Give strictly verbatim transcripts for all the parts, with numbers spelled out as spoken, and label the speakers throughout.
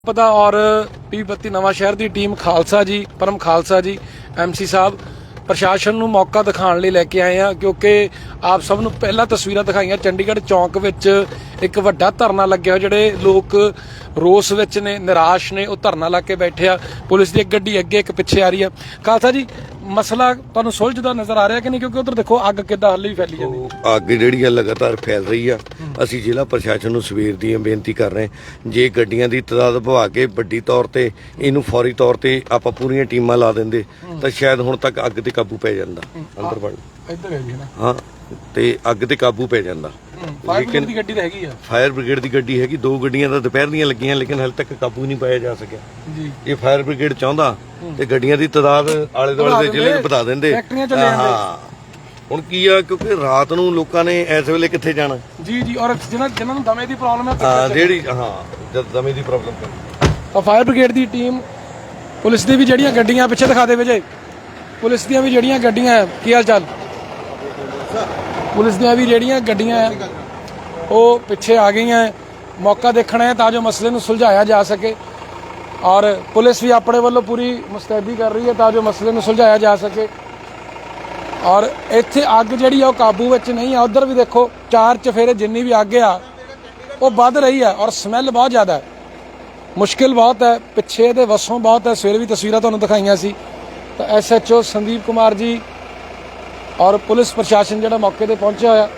Speaker 1: पता और पी बत्ती नवां शहर की टीम खालसा जी परम खालसा जी एम सी साहब प्रशासन ਨੂੰ मौका दिखाने ਲਈ ਲੈ ਕੇ ਆਏ ਆ क्योंकि आप सब ਨੂੰ ਪਹਿਲਾਂ ਤਸਵੀਰਾਂ ਦਿਖਾਈਆਂ ਚੰਡੀਗੜ੍ਹ ਚੌਂਕ ਵਿੱਚ ਇੱਕ ਵੱਡਾ ਧਰਨਾ ਲੱਗਿਆ ਜਿਹੜੇ ਲੋਕ ਰੋਸ ਵਿੱਚ ਨੇ ਨਿਰਾਸ਼ ਨੇ ਉਹ ਧਰਨਾ ਲਾ ਕੇ ਬੈਠੇ ਆ ਪੁਲਿਸ ਦੀ ਇੱਕ ਗੱਡੀ ਅੱਗੇ ਇੱਕ ਪਿੱਛੇ ਆ ਰਹੀ ਆ ਖਾਲਸਾ ਜੀ ਮਸਲਾ ਤੁਹਾਨੂੰ ਸੁਲਝਦਾ ਨਜ਼ਰ ਆ ਰਿਹਾ ਕਿ ਨਹੀਂ ਕਿਉਂਕਿ ਉਧਰ ਦੇਖੋ ਅੱਗ ਕਿੱਦਾਂ ਹੱਲੇ ਵੀ ਫੈਲੀ ਜਾਂਦੀ
Speaker 2: ਅੱਗ ਜਿਹੜੀ ਆ ਲਗਾਤਾਰ ਫੈਲ ਰਹੀ ਆ ਅਸੀਂ ਜ਼ਿਲ੍ਹਾ ਪ੍ਰਸ਼ਾਸਨ ਨੂੰ ਸਵੇਰ ਦੀ ਬੇਨਤੀ ਕਰ ਰਹੇ ਜੇ ਗੱਡੀਆਂ ਦੀ ਤਦਾਦ ਵਧਾ ਕੇ ਵੱਡੀ ਤੌਰ ਤੇ ਇਹਨੂੰ ਫੌਰੀ ਤੌਰ ਤੇ ਆਪਾਂ ਪੂਰੀਆਂ ਟੀਮਾਂ ਲਾ ਦਿੰਦੇ ਤਾਂ ਸ਼ਾਇਦ ਹੁਣ ਤੱਕ ਅੱਗ ਤੇ ਕਾਬੂ ਪੈ ਜਾਂਦਾ ਅੰਦਰ ਵੜ
Speaker 1: ਇੱਧਰ ਹੈ ਜੀ ਨਾ ਹਾਂ
Speaker 2: ਤੇ ਅੱਗ ਤੇ ਕਾਬੂ ਪੈ ਜਾਂਦਾ
Speaker 1: ਫਾਇਰ ਬ੍ਰਿਗੇਡ ਦੀ ਗੱਡੀ ਤਾਂ ਹੈਗੀ ਆ
Speaker 2: ਫਾਇਰ ਬ੍ਰਿਗੇਡ ਦੀ ਗੱਡੀ ਹੈਗੀ ਦੋ ਗੱਡੀਆਂ ਤਾਂ ਦੁਪਹਿਰ ਦੀਆਂ ਲੱਗੀਆਂ ਲੇਕਿਨ ਹਾਲੇ ਤੱਕ ਕਾਬੂ ਨਹੀਂ ਪਾਇਆ ਜਾ ਸਕਿਆ ਜੀ ਇਹ ਫਾਇਰ ਬ੍ਰਿਗੇਡ ਚਾਹੁੰਦਾ ਤੇ ਗੱਡੀਆਂ ਦੀ ਤਦਾਦ ਆਲੇ ਦੁਆਲੇ ਦੇ ਜ਼ਿਲ੍ਹੇ 'ਚ ਵਧਾ ਦਿੰਦੇ ਹਾਂ ਹੁਣ ਕੀ ਆ ਕਿਉਂਕਿ ਰਾਤ ਨੂੰ ਲੋਕਾਂ ਨੇ ਇਸ ਵੇਲੇ ਕਿੱਥੇ ਜਾਣਾ ਜੀ ਜੀ ਔਰ ਜਿਹਨਾਂ ਜਿਹਨਾਂ ਨੂੰ ਦਮੇ ਦੀ ਪ੍ਰੋਬਲਮ ਹੈ ਹਾਂ ਜਿਹੜੀ ਹਾਂ ਜਦ ਦਮੇ ਦੀ ਪ੍ਰੋਬਲਮ
Speaker 1: ਤਾਂ ਫਾਇਰ ਬ੍ਰਿਗੇਡ ਦੀ ਟੀਮ ਪੁਲਿਸ ਦੀ ਵੀ ਜਿਹੜੀਆਂ ਗੱਡੀਆਂ ਪਿੱਛੇ ਦਿਖਾ ਦੇ ਵਿਜੇ ਪੁਲਿਸ ਦੀਆਂ ਵੀ ਜਿਹੜੀਆਂ ਗੱਡੀਆਂ ਕੀ ਹਾਲ ਚਾਲ ਪੁਲਿਸ ਦੀਆਂ ਵੀ ਜਿਹੜੀਆਂ ਗੱਡੀਆਂ ਉਹ ਪਿੱਛੇ ਆ ਗਈਆਂ ਮੌਕਾ ਦੇਖਣਾ ਹੈ ਤਾਂ ਜੋ ਮਸਲੇ ਨੂੰ ਸੁਲਝਾਇਆ ਜਾ ਸਕੇ ਔਰ ਪੁਲਿਸ ਵੀ ਆਪਣੇ ਵੱਲੋਂ ਪੂਰੀ ਮੁਸਤੈਦੀ ਕਰ ਰਹੀ ਹੈ ਤਾਂ ਜੋ ਮਸਲੇ ਨੂੰ ਸੁਲਝਾਇਆ ਜਾ ਸਕੇ ਔਰ ਇੱਥੇ ਅੱਗ ਜਿਹੜੀ ਆ ਉਹ ਕਾਬੂ ਵਿੱਚ ਨਹੀਂ ਆ ਉਧਰ ਵੀ ਦੇਖੋ ਚਾਰ ਚਫੇਰੇ ਜਿੰਨੀ ਵੀ ਅੱਗ ਆ ਉਹ ਵੱਧ ਰਹੀ ਹੈ ਔਰ ਸਮੈਲ ਬਹੁਤ ਜ਼ਿਆਦਾ ਹੈ ਮੁਸ਼ਕਿਲ ਬਹੁਤ ਹੈ ਪਿੱਛੇ ਦੇ ਵਸੋਂ ਬਹੁਤ ਹੈ ਸਵੇਰੇ ਵੀ ਤਸਵੀਰਾਂ ਤੁਹਾਨੂੰ ਦਿਖਾਈਆਂ ਸੀ ਤਾਂ S H O Sandeep Kumar ji ਔਰ ਪੁਲਿਸ ਪ੍ਰਸ਼ਾਸਨ ਜਿਹੜਾ ਮੌਕੇ ਤੇ ਪਹੁੰਚਿਆ ਹੋਇਆ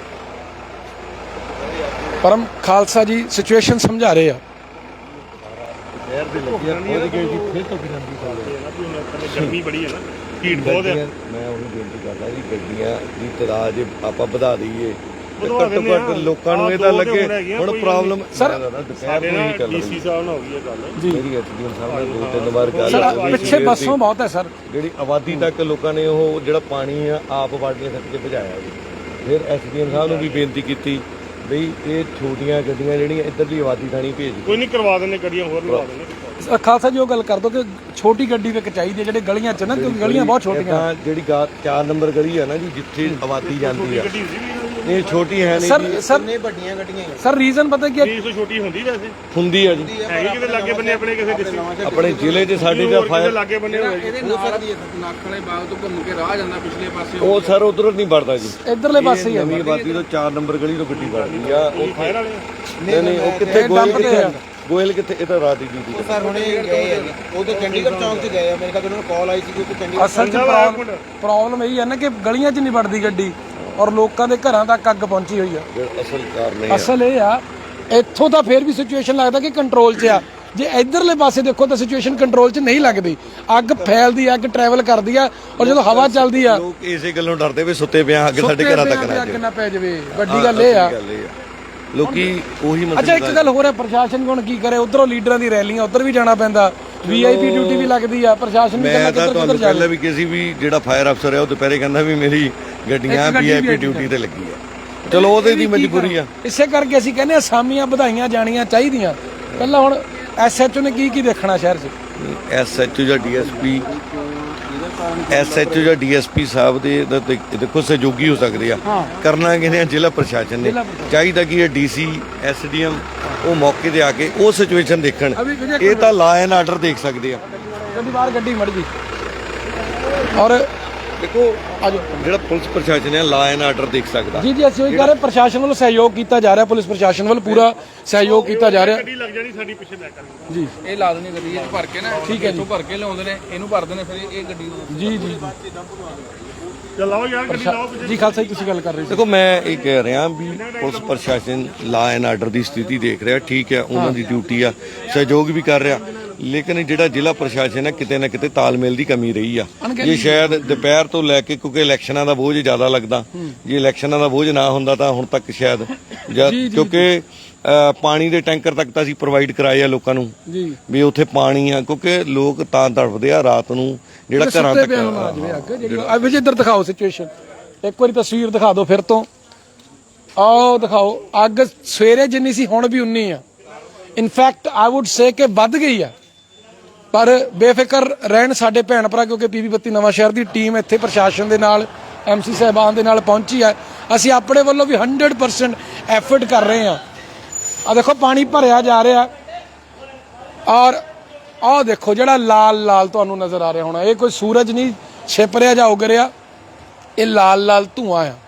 Speaker 1: परम खालसा जी सिचुएशन समझा रहे हैं
Speaker 2: गर्मी बड़ी है ना हीट बहुत है मैं ਉਹੀ ਬੇਨਤੀ ਕਰਦਾ ਜੀ ਗੱਡੀਆਂ ਦੀ ਤਦਾਦ ਜੇ ਆਪਾਂ ਵਧਾ ਦਈਏ ਘੱਟੋ ਘੱਟ ਲੋਕਾਂ ਨੂੰ ਇਹ ਤਾਂ ਲੱਗੇ ਹੁਣ ਪ੍ਰੋਬਲਮ
Speaker 1: ਸਰ
Speaker 2: ਸਾਡੇ ਨਾਲ ਡੀਸੀ ਸਾਹਿਬ ਨਾਲ ਹੋ ਗਈ ਇਹ ਗੱਲ ਜੀ ਮੇਰੀ ਐਸਡੀਐਮ ਸਾਹਿਬ ਨਾਲ ਦੋ ਤਿੰਨ ਵਾਰ ਗੱਲ ਹੋਈ
Speaker 1: ਪਿੱਛੇ ਬੱਸੋਂ ਬਹੁਤ ਹੈ ਸਰ
Speaker 2: ਜਿਹੜੀ ਆਬਾਦੀ ਤੱਕ ਲੋਕਾਂ ਨੇ ਉਹ ਜਿਹੜਾ ਪਾਣੀ ਆ ਆਪ ਬਾਲਟੀਆਂ ਸੱਟ ਕੇ ਭਜਾਇਆ ਜੀ ਫਿਰ ਐਸਡੀਐਮ ਸਾਹਿਬ ਨੂੰ ਵੀ ਬੇਨਤੀ ਕੀਤੀ ਬਈ ਇਹ ਛੋਟੀਆਂ ਗੱਡੀਆਂ ਜਿਹੜੀਆਂ ਇੱਧਰਲੀ ਆਬਾਦੀ ਥਾਣੀ ਭੇਜ
Speaker 3: ਕੋਈ ਨਹੀਂ ਕਰਵਾ ਦਿੰਦੇ ਗੱਡੀਆਂ ਹੋਰ ਲਵਾ ਦਿੰਦੇ
Speaker 1: ਖਾਲਸਾ ਜੀ ਉਹ ਗੱਲ ਕਰ ਦੋ ਕਿ ਛੋਟੀ ਗੱਡੀ ਵਿੱਚ ਚਾਹੀਦੀ ਹੈ ਜਿਹੜੇ ਗਲੀਆਂ 'ਚ ਨਾ ਕਿਉਂਕਿ ਗਲੀਆਂ ਬਹੁਤ ਛੋਟੀਆਂ
Speaker 2: ਜਿਹੜੀ ਚਾਰ ਨੰਬਰ ਗਲੀ ਆ ਨਾ ਜੀ ਜਿੱਥੇ ਆਬਾਦੀ ਜਾਂਦੀ ਆ ਇਹ ਛੋਟੀ ਹੈ ਨਹੀਂ
Speaker 1: ਸਰ ਸਰ ਨੇ ਵੱਡੀਆਂ ਗੱਡੀਆਂ ਸਰ ਰੀਜ਼ਨ ਪਤਾ ਕੀ ਹੈ
Speaker 3: ਇਹ ਛੋਟੀ ਹੁੰਦੀ ਵੈਸੇ
Speaker 2: ਹੁੰਦੀ ਆ ਜੀ
Speaker 3: ਹੈਗੀ ਕਿਤੇ ਲਾਗੇ ਬੰਨੇ ਆਪਣੇ ਕਿਸੇ ਡਿਸਟ੍ਰਿਕਟ
Speaker 2: ਆਪਣੇ ਜ਼ਿਲ੍ਹੇ 'ਚ ਸਾਡੇ ਦਾ ਫਾਇਰ
Speaker 3: ਲਾਗੇ ਬੰਨੇ ਹੋਏ
Speaker 4: ਇਹਦੇ ਨਾਲ ਦੀ ਨੱਕ ਵਾਲੇ ਬਾਗ ਤੋਂ ਘੁੰਮ ਕੇ ਰਾਹ ਜਾਂਦਾ ਪਿਛਲੇ ਪਾਸੇ
Speaker 2: ਉਹ ਸਰ ਉਧਰ ਨਹੀਂ ਵੜਦਾ ਜੀ
Speaker 1: ਇੱਧਰਲੇ ਪਾਸੇ ਹੀ ਆ
Speaker 2: ਨਵੀਂ ਆਬਾਦੀ ਤੋਂ ਚਾਰ ਨੰਬਰ ਗਲੀ ਤੋਂ ਗੱਡੀ ਵੜਦੀ ਆ ਉਹ
Speaker 3: ਫਾਇਰ ਵਾਲੇ
Speaker 2: ਨਹੀਂ ਨਹੀਂ ਉਹ ਕਿੱਥੇ ਗੋਇਲ ਕਿੱਥੇ ਗੋਇਲ ਕਿੱਥੇ ਇਹ ਤਾਂ ਰਾਤ ਦੀ ਡਿਊਟੀ
Speaker 4: ਸਰ ਹੁਣੇ ਗਏ ਉਹ ਤਾਂ ਚੰਡੀਗੜ੍ਹ ਚੌਂਕ 'ਚ ਗਏ ਆ ਮੇਰੇ ਕੋਲ ਉਹਨਾਂ ਨੂੰ ਕਾਲ ਆਈ ਸੀ ਕਿ ਚੰਡੀਗੜ੍ਹ
Speaker 1: ਅਸਲ 'ਚ ਪ੍ਰੋਬਲਮ ਇਹ ਹੈ ਨਾ ਕਿ ਗਲੀਆਂ 'ਚ ਨਹੀਂ ਵੜਦੀ ਗੱਡੀ ਔਰ ਲੋਕਾਂ ਦੇ ਘਰਾਂ ਤੱਕ ਅੱਗ ਪਹੁੰਚੀ ਹੋਈ ਆ
Speaker 2: ਅਸਲ ਕਾਰਨ
Speaker 1: ਅਸਲ ਇਹ ਆ ਇੱਥੋਂ ਤਾਂ ਫੇਰ ਵੀ ਸਿਚੁਏਸ਼ਨ ਲੱਗਦਾ ਕਿ ਕੰਟਰੋਲ 'ਚ ਆ ਜੇ ਇਧਰਲੇ ਪਾਸੇ ਦੇਖੋ ਤਾਂ ਸਿਚੁਏਸ਼ਨ ਕੰਟਰੋਲ 'ਚ ਨਹੀਂ ਲੱਗਦੀ ਅੱਗ ਫੈਲਦੀ ਆ ਅੱਗ ਟਰੈਵਲ ਕਰਦੀ ਆ ਔਰ ਜਦੋਂ ਹਵਾ ਚੱਲਦੀ ਆ
Speaker 2: ਲੋਕ ਇਸੇ ਗੱਲੋਂ ਡਰਦੇ ਵੀ ਸੁੱਤੇ ਪਿਆ ਅੱਗ ਸਾਡੇ ਘਰਾਂ ਤੱਕ ਨਾ
Speaker 1: ਅੱਗ ਨਾ ਪੈ ਜਾਵੇ ਵੱਡੀ ਗੱਲ ਇਹ ਆ
Speaker 2: ਲੋਕੀ ਉਹੀ ਮਸਲਾ
Speaker 1: ਅੱਛਾ ਇੱਕ ਗੱਲ ਹੋਰ ਹੈ ਪ੍ਰਸ਼ਾਸਨ ਹੁਣ ਕੀ ਕਰੇ ਉਧਰੋਂ ਲੀਡਰਾਂ ਦੀ ਰੈਲੀਆਂ ਉਧਰ ਵੀ ਜਾਣਾ ਪੈਂਦਾ ਵੀ ਆਈ ਪੀ ਡਿਊਟੀ ਵੀ ਲੱਗਦੀ ਆ ਪ੍ਰਸ਼ਾਸਨ ਵੀ
Speaker 2: ਮੈਂ ਤਾਂ ਤੁਹਾਨੂੰ ਪਹਿਲਾਂ ਵੀ ਕਿਸੇ ਵੀ ਜਿਹੜਾ ਫਾਇਰ ਅਫਸਰ ਹੈ ਉਹ ਦੁਪਹਿਰੇ ਕਹਿੰਦਾ ਵੀ ਮੇਰੀ ਗੱਡੀਆਂ ਵੀ ਆਈ ਪੀ ਡਿਊਟੀ ਤੇ ਲੱਗੀ ਆ ਚਲੋ ਉਹਦੇ ਦੀ ਮਜਬੂਰੀ ਆ
Speaker 1: ਇਸੇ ਕਰਕੇ ਅਸੀਂ ਕਹਿੰਦੇ ਅਸਾਮੀਆਂ ਵਧਾਈਆਂ ਜਾਣੀਆਂ ਚਾਹੀਦੀਆਂ ਪਹਿਲਾਂ ਹੁਣ ਐਸ ਐਚ ਓ ਨੇ ਕੀ ਕੀ ਦੇਖਣਾ ਸ਼ਹਿਰ 'ਚ
Speaker 2: ਐਸ ਐਚ ਓ ਜਾਂ D S P S H O ਜਾਂ ਡੀ ਐਸ ਪੀ ਸਾਹਿਬ ਦੇ ਦੇਖੋ ਸਹਿਯੋਗੀ ਹੋ ਸਕਦੇ ਆ ਕਰਨਾ ਕਿਹਨੇ ਜ਼ਿਲ੍ਹਾ ਪ੍ਰਸ਼ਾਸਨ ਨੇ ਚਾਹੀਦਾ ਕਿ ਇਹ D C S D M ਉਹ ਮੌਕੇ ਤੇ ਆ ਕੇ ਉਹ ਸਿਚੁਏਸ਼ਨ ਦੇਖਣ ਇਹ ਤਾਂ ਲਾ ਐਂਡ ਆਰਡਰ ਦੇਖ ਸਕਦੇ ਆ
Speaker 1: ਗੱਡੀ ਬਾਹਰ ਗੱਡੀ ਮੜ ਗਈ ਔਰ
Speaker 2: ਦੇਖੋ ਜਿਹੜਾ ਪੁਲਿਸ ਪ੍ਰਸ਼ਾਸਨ ਹੈ ਲਾ ਐਂਡ ਆਰਡਰ ਦੇਖ ਸਕਦਾ
Speaker 1: ਜੀ ਜੀ ਅਸੀਂ ਉਹੀ ਕਰ ਰਹੇ ਪ੍ਰਸ਼ਾਸਨ ਵੱਲੋਂ ਸਹਿਯੋਗ ਕੀਤਾ ਜਾ ਰਿਹਾ ਪੁਲਿਸ ਪ੍ਰਸ਼ਾਸਨ ਵੱਲੋਂ ਪੂਰਾ ਸਹਿਯੋਗ ਕੀਤਾ ਜਾ ਰਿਹਾ
Speaker 3: ਗੱਡੀ ਲੱਗ ਜਾਣੀ ਸਾਡੀ ਪਿੱਛੇ ਬੈਕ ਕਰ
Speaker 1: ਜੀ
Speaker 4: ਇਹ ਲਾ ਦੇਣੀ ਗੱਡੀ ਇਹ ਭਰ ਕੇ ਨਾ
Speaker 1: ਠੀਕ ਹੈ ਜੀ
Speaker 4: ਭਰ ਕੇ ਲਿਆਉਂਦੇ ਨੇ ਇਹਨੂੰ ਭਰਦੇ ਨੇ ਫਿਰ ਇਹ ਗੱਡੀ
Speaker 1: ਜੀ ਜੀ
Speaker 3: ਚਲਾਓ ਯਾਰ ਗੱਡੀ ਲਾਓ
Speaker 1: ਜੀ ਖਾਲਸਾ ਜੀ ਤੁਸੀਂ ਗੱਲ ਕਰ ਰਹੇ ਸੀ
Speaker 2: ਦੇਖੋ ਮੈਂ ਇਹ ਕਹਿ ਰਿਹਾ ਵੀ ਪੁਲਿਸ ਪ੍ਰਸ਼ਾਸਨ ਲਾ ਐਂਡ ਆਰਡਰ ਦੀ ਸਥਿਤੀ ਦੇਖ ਰਿਹਾ ਠੀਕ ਹੈ ਉਹਨਾਂ ਦੀ ਡਿਊਟੀ ਆ ਸਹਿਯੋਗ ਵੀ ਕਰ ਰਿਹਾ ਲੇਕਿਨ ਜਿਹੜਾ ਜ਼ਿਲ੍ਹਾ ਪ੍ਰਸ਼ਾਸਨ ਹੈ ਕਿਤੇ ਨਾ ਕਿਤੇ ਤਾਲਮੇਲ ਦੀ ਕਮੀ ਰਹੀ ਆ ਜੇ ਸ਼ਾਇਦ ਦੁਪਹਿਰ ਤੋਂ ਲੈ ਕੇ ਕਿਉਂਕਿ ਇਲੈਕਸ਼ਨਾਂ ਦਾ ਬੋਝ ਜ਼ਿਆਦਾ ਲੱਗਦਾ ਜੇ ਇਲੈਕਸ਼ਨਾਂ ਦਾ ਬੋਝ ਨਾ ਹੁੰਦਾ ਤਾਂ ਹੁਣ ਤੱਕ ਸ਼ਾਇਦ ਕਿਉਂਕਿ ਪਾਣੀ ਦੇ ਟੈਂਕਰ ਤੱਕ ਤਾਂ ਅਸੀਂ ਪ੍ਰੋਵਾਈਡ ਕਰਾਏ ਆ ਲੋਕਾਂ ਨੂੰ ਵੀ ਉੱਥੇ ਪਾਣੀ ਆ ਕਿਉਂਕਿ ਲੋਕ ਤਾਂ ਤੜਫਦੇ ਆ ਰਾਤ ਨੂੰ ਜਿਹੜਾ ਘਰਾਂ ਤੱਕ
Speaker 1: ਵਿਜੇ ਇੱਧਰ ਦਿਖਾਓ ਸਿਚੁਏਸ਼ਨ ਇੱਕ ਵਾਰੀ ਤਸਵੀਰ ਦਿਖਾ ਦਿਓ ਫਿਰ ਤੋਂ ਆਓ ਦਿਖਾਓ ਅੱਗ ਸਵੇਰੇ ਜਿੰਨੀ ਸੀ ਹੁਣ ਵੀ ਉਨੀ ਆ ਇਨਫੈਕਟ ਆਈ ਵੁੱਡ ਸੇ ਕਿ ਵੱਧ ਗਈ ਆ ਪਰ ਬੇਫਿਕਰ ਰਹਿਣ ਸਾਡੇ ਭੈਣ ਭਰਾ ਕਿਉਂਕਿ ਪੀ ਬੱਤੀ ਨਵਾਂ ਸ਼ਹਿਰ ਦੀ ਟੀਮ ਇੱਥੇ ਪ੍ਰਸ਼ਾਸਨ ਦੇ ਨਾਲ ਐਮ ਸੀ ਸਾਹਿਬਾਨ ਦੇ ਨਾਲ ਪਹੁੰਚੀ ਆ ਅਸੀਂ ਆਪਣੇ ਵੱਲੋਂ ਵੀ ਹੰਡਰਡ ਪਰਸੈਂਟ ਐਫਰਟ ਕਰ ਰਹੇ ਹਾਂ ਆ ਦੇਖੋ ਪਾਣੀ ਭਰਿਆ ਜਾ ਰਿਹਾ ਔਰ ਆਹ ਦੇਖੋ ਜਿਹੜਾ ਲਾਲ ਲਾਲ ਤੁਹਾਨੂੰ ਨਜ਼ਰ ਆ ਰਿਹਾ ਹੋਣਾ, ਇਹ ਕੋਈ ਸੂਰਜ ਨਹੀਂ ਛਿਪ ਰਿਹਾ ਜਾਂ ਉਗ ਰਿਹਾ, ਇਹ ਲਾਲ ਲਾਲ ਧੂਆਂ ਆ।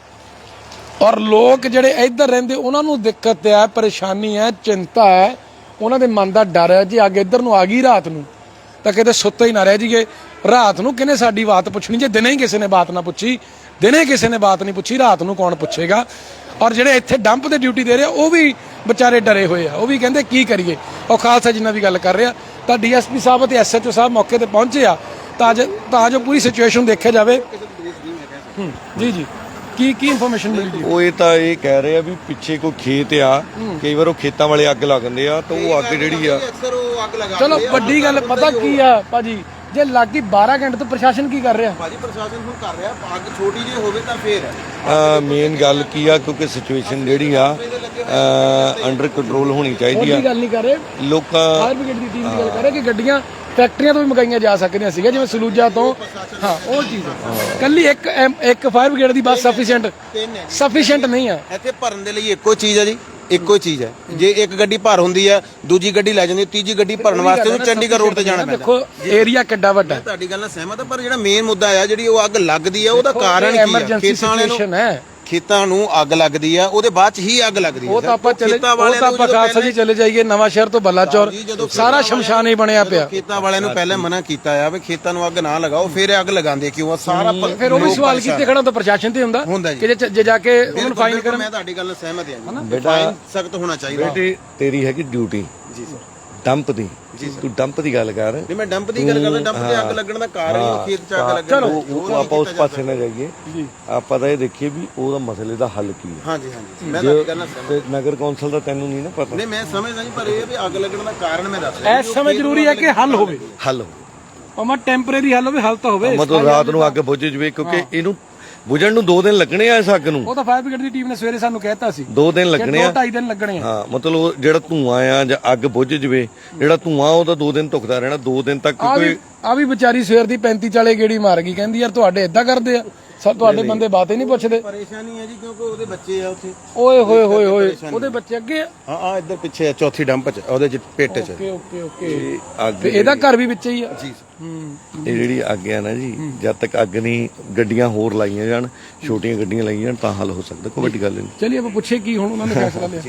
Speaker 1: ਔਰ ਲੋਕ ਜਿਹੜੇ ਇੱਧਰ ਰਹਿੰਦੇ ਉਹਨਾਂ ਨੂੰ ਦਿੱਕਤ ਹੈ, ਪਰੇਸ਼ਾਨੀ ਹੈ, ਚਿੰਤਾ ਹੈ, ਉਹਨਾਂ ਦੇ ਮਨ ਦਾ ਡਰ ਹੈ ਜੇ ਅੱਗ ਇੱਧਰ ਨੂੰ ਆ ਗਈ ਰਾਤ ਨੂੰ ਤਾਂ ਕਿਤੇ ਸੁੱਤੇ ਹੀ ਨਾ ਰਹਿ ਜੀਏ। ਰਾਤ ਨੂੰ ਕਿਹਨੇ ਸਾਡੀ ਬਾਤ ਪੁੱਛਣੀ, ਜੇ ਦਿਨੇ ਹੀ ਕਿਸੇ ਨੇ ਬਾਤ ਨਾ ਪੁੱਛੀ, ਦਿਨੇ ਕਿਸੇ ਨੇ ਬਾਤ ਨਹੀਂ ਪੁੱਛੀ, ਰਾਤ ਨੂੰ ਕੌਣ ਪੁੱਛੇਗਾ। ਔਰ ਜਿਹੜੇ ਇੱਥੇ ਡੰਪ ਤੇ ਡਿਊਟੀ ਦੇ ਰਹੇ ਉਹ ਵੀ ਵਿਚਾਰੇ ਡਰੇ ਹੋਏ ਆ, ਉਹ ਵੀ ਕਹਿੰਦੇ ਕੀ ਕਰੀਏ। ਉਹ ਖਾਲਸਾ ਜਿੰਨਾ ਵੀ ਗੱਲ ਕਰ ਰਿਹਾ ਤਾਂ ਡੀਐਸਪੀ ਸਾਹਿਬ ਅਤੇ ਐਸਐਚਓ ਸਾਹਿਬ ਮੌਕੇ ਤੇ ਪਹੁੰਚੇ ਆ ਤਾਂ ਜੋ ਤਾਂ ਜੋ ਪੂਰੀ ਸਿਚੁਏਸ਼ਨ ਦੇਖਿਆ ਜਾਵੇ। ਜੀ ਜੀ ਕੀ ਕੀ ਇਨਫੋਰਮੇਸ਼ਨ ਮਿਲੀ ਜੀ?
Speaker 2: ਉਹ ਇਹ ਤਾਂ ਇਹ ਕਹਿ ਰਹੇ ਆ ਵੀ ਪਿੱਛੇ ਕੋਈ ਖੇਤ ਆ, ਕਈ ਵਾਰ ਉਹ ਖੇਤਾਂ ਵਾਲੇ ਅੱਗ ਲਾ ਦਿੰਦੇ ਆ ਤਾਂ ਉਹ ਅੱਗ ਜਿਹੜੀ ਆ
Speaker 4: ਅਕਸਰ ਉਹ ਅੱਗ ਲਗਾ
Speaker 1: ਚਲੋ ਵੱਡੀ ਗੱਲ ਪਤਾ ਕੀ ਆ ਭਾਜੀ, ਜੇ ਲੱਗੀ ਬਾਰਾਂ ਘੰਟੇ ਤੋਂ ਪ੍ਰਸ਼ਾਸਨ ਕੀ ਕਰ ਰਿਹਾ?
Speaker 4: ਭਾਜੀ ਪ੍ਰਸ਼ਾਸਨ ਹੁਣ ਕਰ ਰਿਹਾ, ਅੱਗ ਛੋਟੀ ਜਿਹੀ ਹੋਵੇ ਤਾਂ ਫੇਰ ਹੈ।
Speaker 2: ਮੇਨ ਗੱਲ ਕੀ ਆ, ਕਿਉਂਕਿ ਸਿਚੁਏਸ਼ਨ ਜਿਹੜੀ ਆ ਅੰਡਰ ਕੰਟਰੋਲ ਹੋਣੀ ਚਾਹੀਦੀ ਆ।
Speaker 1: ਕੋਈ ਗੱਲ ਨਹੀਂ ਕਰ ਰਹੇ,
Speaker 2: ਲੋਕਾਂ
Speaker 1: ਫਾਇਰ ਬ੍ਰਿਗੇਡ ਦੀ ਟੀਮ ਦੀ ਗੱਲ ਕਰ ਰਹੇ ਕਿ ਗੱਡੀਆਂ ਫੈਕਟਰੀਆਂ ਤੋਂ ਵੀ ਮੰਗਾਈਆਂ ਜਾ ਸਕਦੀਆਂ ਸੀਗੀਆਂ, ਜਿਵੇਂ ਸਲੂਜਾ ਤੋਂ। ਹਾਂ ਉਹ ਚੀਜ਼ ਹੈ, ਕੱਲੀ ਇੱਕ ਐਮ- ਇੱਕ ਫਾਇਰ ਬ੍ਰਿਗੇਡ ਦੀ ਬੱਸ ਸਫੀਸ਼ੀਐਂਟ ਸਫੀਸ਼ੀਐਂਟ ਨਹੀਂ ਹੈ
Speaker 4: ਇੱਥੇ ਭਰਨ ਦੇ ਲਈ ਇੱਕੋ ਚੀਜ਼ ਹੈ ਜੀ, ਇੱਕੋ ਚੀਜ਼ ਹੈ। ਜੇ ਇੱਕ ਗੱਡੀ ਭਰ ਹੁੰਦੀ ਹੈ, ਦੂਜੀ ਗੱਡੀ ਲੈ ਜਾਂਦੀ, ਤੀਜੀ ਗੱਡੀ ਭਰਨ ਵਾਸਤੇ ਉਹਨੂੰ ਚੰਡੀਗੜ੍ਹ ਰੋਡ ਤੇ ਜਾਣਾ ਪੈਂਦਾ।
Speaker 1: ਦੇਖੋ ਏਰੀਆ ਕਿੱਡਾ ਵੱਡਾ ਹੈ,
Speaker 4: ਤੁਹਾਡੀ ਗੱਲ ਨਾਲ ਸਹਿਮਤ ਹਾਂ, ਪਰ ਜਿਹੜਾ ਮੇਨ ਮੁੱਦਾ ਆ ਜਿਹੜੀ ਉਹ ਅੱਗ ਲੱਗਦੀ ਆ ਉਹਦਾ ਕਾਰਨ ਕੀ ਆ?
Speaker 1: ਐਮਰਜੈਂਸੀ
Speaker 4: ਖੇਤਾਂ ਵਾਲਿਆਂ
Speaker 1: ਸਿਚੁਏਸ਼ਨ
Speaker 4: ਨੂੰ
Speaker 1: ਹੈ,
Speaker 4: ਖੇਤਾਂ ਨੂੰ ਅੱਗ ਲੱਗਦੀ ਆ, ਉਹਦੇ ਬਾਅਦ ਚ ਹੀ ਅੱਗ ਲੱਗਦੀ ਆ।
Speaker 1: ਉਹ ਤਾਂ ਆਪਾਂ ਚਲੇ
Speaker 4: ਖੇਤਾਂ
Speaker 1: ਉਹ
Speaker 4: ਵਾਲਿਆਂ
Speaker 1: ਤਾਂ
Speaker 4: ਨੂੰ
Speaker 1: ਆਪਾਂ
Speaker 4: ਜਦੋਂ
Speaker 1: ਖਾਲਸਾ ਜੀ ਚਲੇ ਜਾਈਏ ਨਵਾਂ ਸ਼ਹਿਰ ਤੋਂ ਬਲਾਚੌਰ,
Speaker 4: ਜੀ, ਜਦੋਂ
Speaker 1: ਸਾਰਾ ਸ਼ਮਸ਼ਾਨ ਹੀ ਬਣਿਆ ਪਿਆ।
Speaker 4: ਖੇਤਾਂ ਵਾਲਿਆਂ ਨੂੰ ਪਹਿਲਾਂ ਮਨਾ ਕੀਤਾ ਆ ਵੀ ਖੇਤਾਂ ਨੂੰ ਅੱਗ ਨਾ ਲਗਾਓ, ਫਿਰ ਅੱਗ ਲਗਾਉਂਦੇ ਕਿਉਂ ਆ? ਸਾਰਾ ਪ-
Speaker 1: ਫਿਰ ਉਹ ਵੀ
Speaker 4: ਲੋਕ
Speaker 1: ਸਵਾਲ
Speaker 4: ਪਰੇਸ਼ਾਨ
Speaker 1: ਕੀਤੇ ਖੜਾ ਤਾਂ ਪ੍ਰਸ਼ਾਸਨ ਤੇ ਹੁੰਦਾ
Speaker 4: ਹੁੰਦਾ ਜੀ।
Speaker 1: ਕਿ ਜੇ ਜੇ ਜਾ ਕੇ ਉਹਨੂੰ
Speaker 4: ਬਿਲਕੁਲ,
Speaker 1: ਫਾਈਨ
Speaker 4: ਬਿਲਕੁਲ,
Speaker 1: ਕਰਨ।
Speaker 4: ਮੈਂ ਤੁਹਾਡੀ ਗੱਲ ਨਾਲ ਸਹਿਮਤ ਹਾਂ ਜੀ,
Speaker 2: ਬੇਟਾ
Speaker 4: ਫਾਈਨ ਸਖਤ ਹੋਣਾ ਚਾਹੀਦਾ।
Speaker 2: ਬੇਟੇ ਤੇਰੀ ਹੈਗੀ ਡਿਊਟੀ
Speaker 4: ਜੀ ਸਰ,
Speaker 2: ਡੰਪ ਦੀ, ਤੂੰ ਡੰਪ ਦੀ ਗੱਲ ਕਰ।
Speaker 4: ਨਹੀਂ ਮੈਂ ਡੰਪ ਦੀ ਗੱਲ ਕਰਦਾ, ਡੰਪ ਤੇ ਅੱਗ ਲੱਗਣ ਦਾ ਕਾਰਨ ਹੀ ਉਹ ਖੇਤ ਚ ਅੱਗ ਲੱਗਣ।
Speaker 2: ਉਹ ਆਪਾਂ ਉਸ ਪਾਸੇ ਨਾ ਜਾਈਏ, ਆਪਾਂ ਤਾਂ ਇਹ ਦੇਖੀਏ ਵੀ ਉਹਦਾ ਮਸਲੇ ਦਾ ਹੱਲ ਕੀ ਹੈ।
Speaker 4: ਹਾਂਜੀ ਹਾਂਜੀ, ਮੈਂ ਤੁਹਾਡੀ ਗੱਲ ਨਾਲ ਸਹਿਮਤ।
Speaker 2: ਤੇ ਨਗਰ ਕੌਂਸਲ ਦਾ ਤੈਨੂੰ ਨਹੀਂ ਨਾ ਪਤਾ।
Speaker 4: ਨਹੀਂ ਮੈਂ ਸਮਝਦਾ ਜੀ, ਪਰ ਇਹ ਵੀ ਅੱਗ ਲੱਗਣ ਦਾ ਕਾਰਨ ਮੈਂ ਦੱਸ ਰਿਹਾ।
Speaker 1: ਇਸ ਸਮੇਂ ਜ਼ਰੂਰੀ ਹੈ ਕਿ ਹੱਲ ਹੋਵੇ,
Speaker 2: ਹੱਲ
Speaker 1: ਭਾਵੇਂ ਟੈਂਪਰੇਰੀ ਹੱਲ ਹੋਵੇ, ਹੱਲ ਤਾਂ ਹੋਵੇ।
Speaker 2: ਮਤਲਬ ਰਾਤ ਨੂੰ ਅੱਗ ਬੁੱਝ ਜਵੇ, ਕਿਉਂਕਿ ਇਹਨੂੰ ਬੁਝਣ ਨੂੰ ਦੋ ਦਿਨ ਲੱਗਣੇ ਆ ਇਸ ਅੱਗ ਨੂੰ।
Speaker 1: ਉਹ ਤਾਂ ਫਾਇਰ ਬ੍ਰਿਗੇਡ ਦੀ ਟੀਮ ਨੇ ਸਵੇਰੇ ਸਾਨੂੰ ਕਹਿਤਾ ਸੀ
Speaker 2: ਦੋ ਦਿਨ ਲੱਗਣੇ
Speaker 1: ਦੋ
Speaker 2: ਆ,
Speaker 1: ਢਾਈ ਦਿਨ ਲੱਗਣੇ ਆ।
Speaker 2: ਹਾਂ ਮਤਲਬ ਉਹ ਜਿਹੜਾ ਧੂਆਂ ਆ ਜਾਂ ਅੱਗ ਬੁੱਝ ਜਵੇ, ਜਿਹੜਾ ਧੂਆਂ ਉਹ ਤਾਂ ਦੋ ਦਿਨ ਧੁਖਦਾ ਰਹਿਣਾ, ਦੋ ਦਿਨ ਤੱਕ
Speaker 1: ਆ ਵੀ
Speaker 2: ਕੋਈ
Speaker 1: ਆ ਵੀ ਵਿਚਾਰੀ ਸਵੇਰ ਦੀ ਪੈਂਤੀ ਚਾਲੇ ਗੇੜੀ ਮਾਰ ਗਈ, ਕਹਿੰਦੀ ਯਾਰ ਤੁਹਾਡੇ ਇਦਾਂ ਕਰਦੇ ਆ, ਸਭ ਤੁਹਾਡੇ ਬੰਦੇ ਬਾਤ ਹੀ ਨਹੀਂ ਪੁੱਛਦੇ।
Speaker 4: ਪਰੇਸ਼ਾਨੀ ਹੈ ਜੀ, ਕਿਉਂਕਿ ਉਹਦੇ ਬੱਚੇ ਆ ਉੱਥੇ।
Speaker 1: ਓਏ ਹੋਏ ਹੋਏ ਹੋਏ, ਉਹਦੇ ਬੱਚੇ ਅੱਗੇ ਆ।
Speaker 4: ਹਾਂ ਆ ਇੱਧਰ ਪਿੱਛੇ ਆ, ਚੌਥੀ ਡੰਪ ਚ, ਉਹਦੇ ਚ ਪੇਟ ਚ।
Speaker 1: ਓਕੇ ਓਕੇ ਓਕੇ,
Speaker 2: ਅੱਗ
Speaker 1: ਤੇ ਇਹਦਾ ਘਰ ਵੀ ਵਿੱਚ ਹੀ ਆ।
Speaker 4: ਜੀ
Speaker 1: ਹੂੰ
Speaker 2: ਇਹ ਜਿਹੜੀ ਅੱਗ ਆ ਨਾ ਜੀ, ਜਦ ਤੱਕ ਅੱਗ ਨਹੀਂ, ਗੱਡੀਆਂ ਹੋਰ ਲਾਈਆਂ ਜਾਣ, ਛੋਟੀਆਂ ਗੱਡੀਆਂ ਲਾਈਆਂ ਜਾਣ ਤਾਂ ਹੱਲ ਹੋ ਸਕਦਾ, ਕੋਈ ਵੱਡੀ ਗੱਲ ਨਹੀਂ।
Speaker 1: ਚਲਿਏ ਆਪਾਂ ਪੁੱਛੇ ਕੀ ਹੁਣ ਉਹਨਾਂ ਨੇ ਫੈਸਲਾ ਲਿਆ।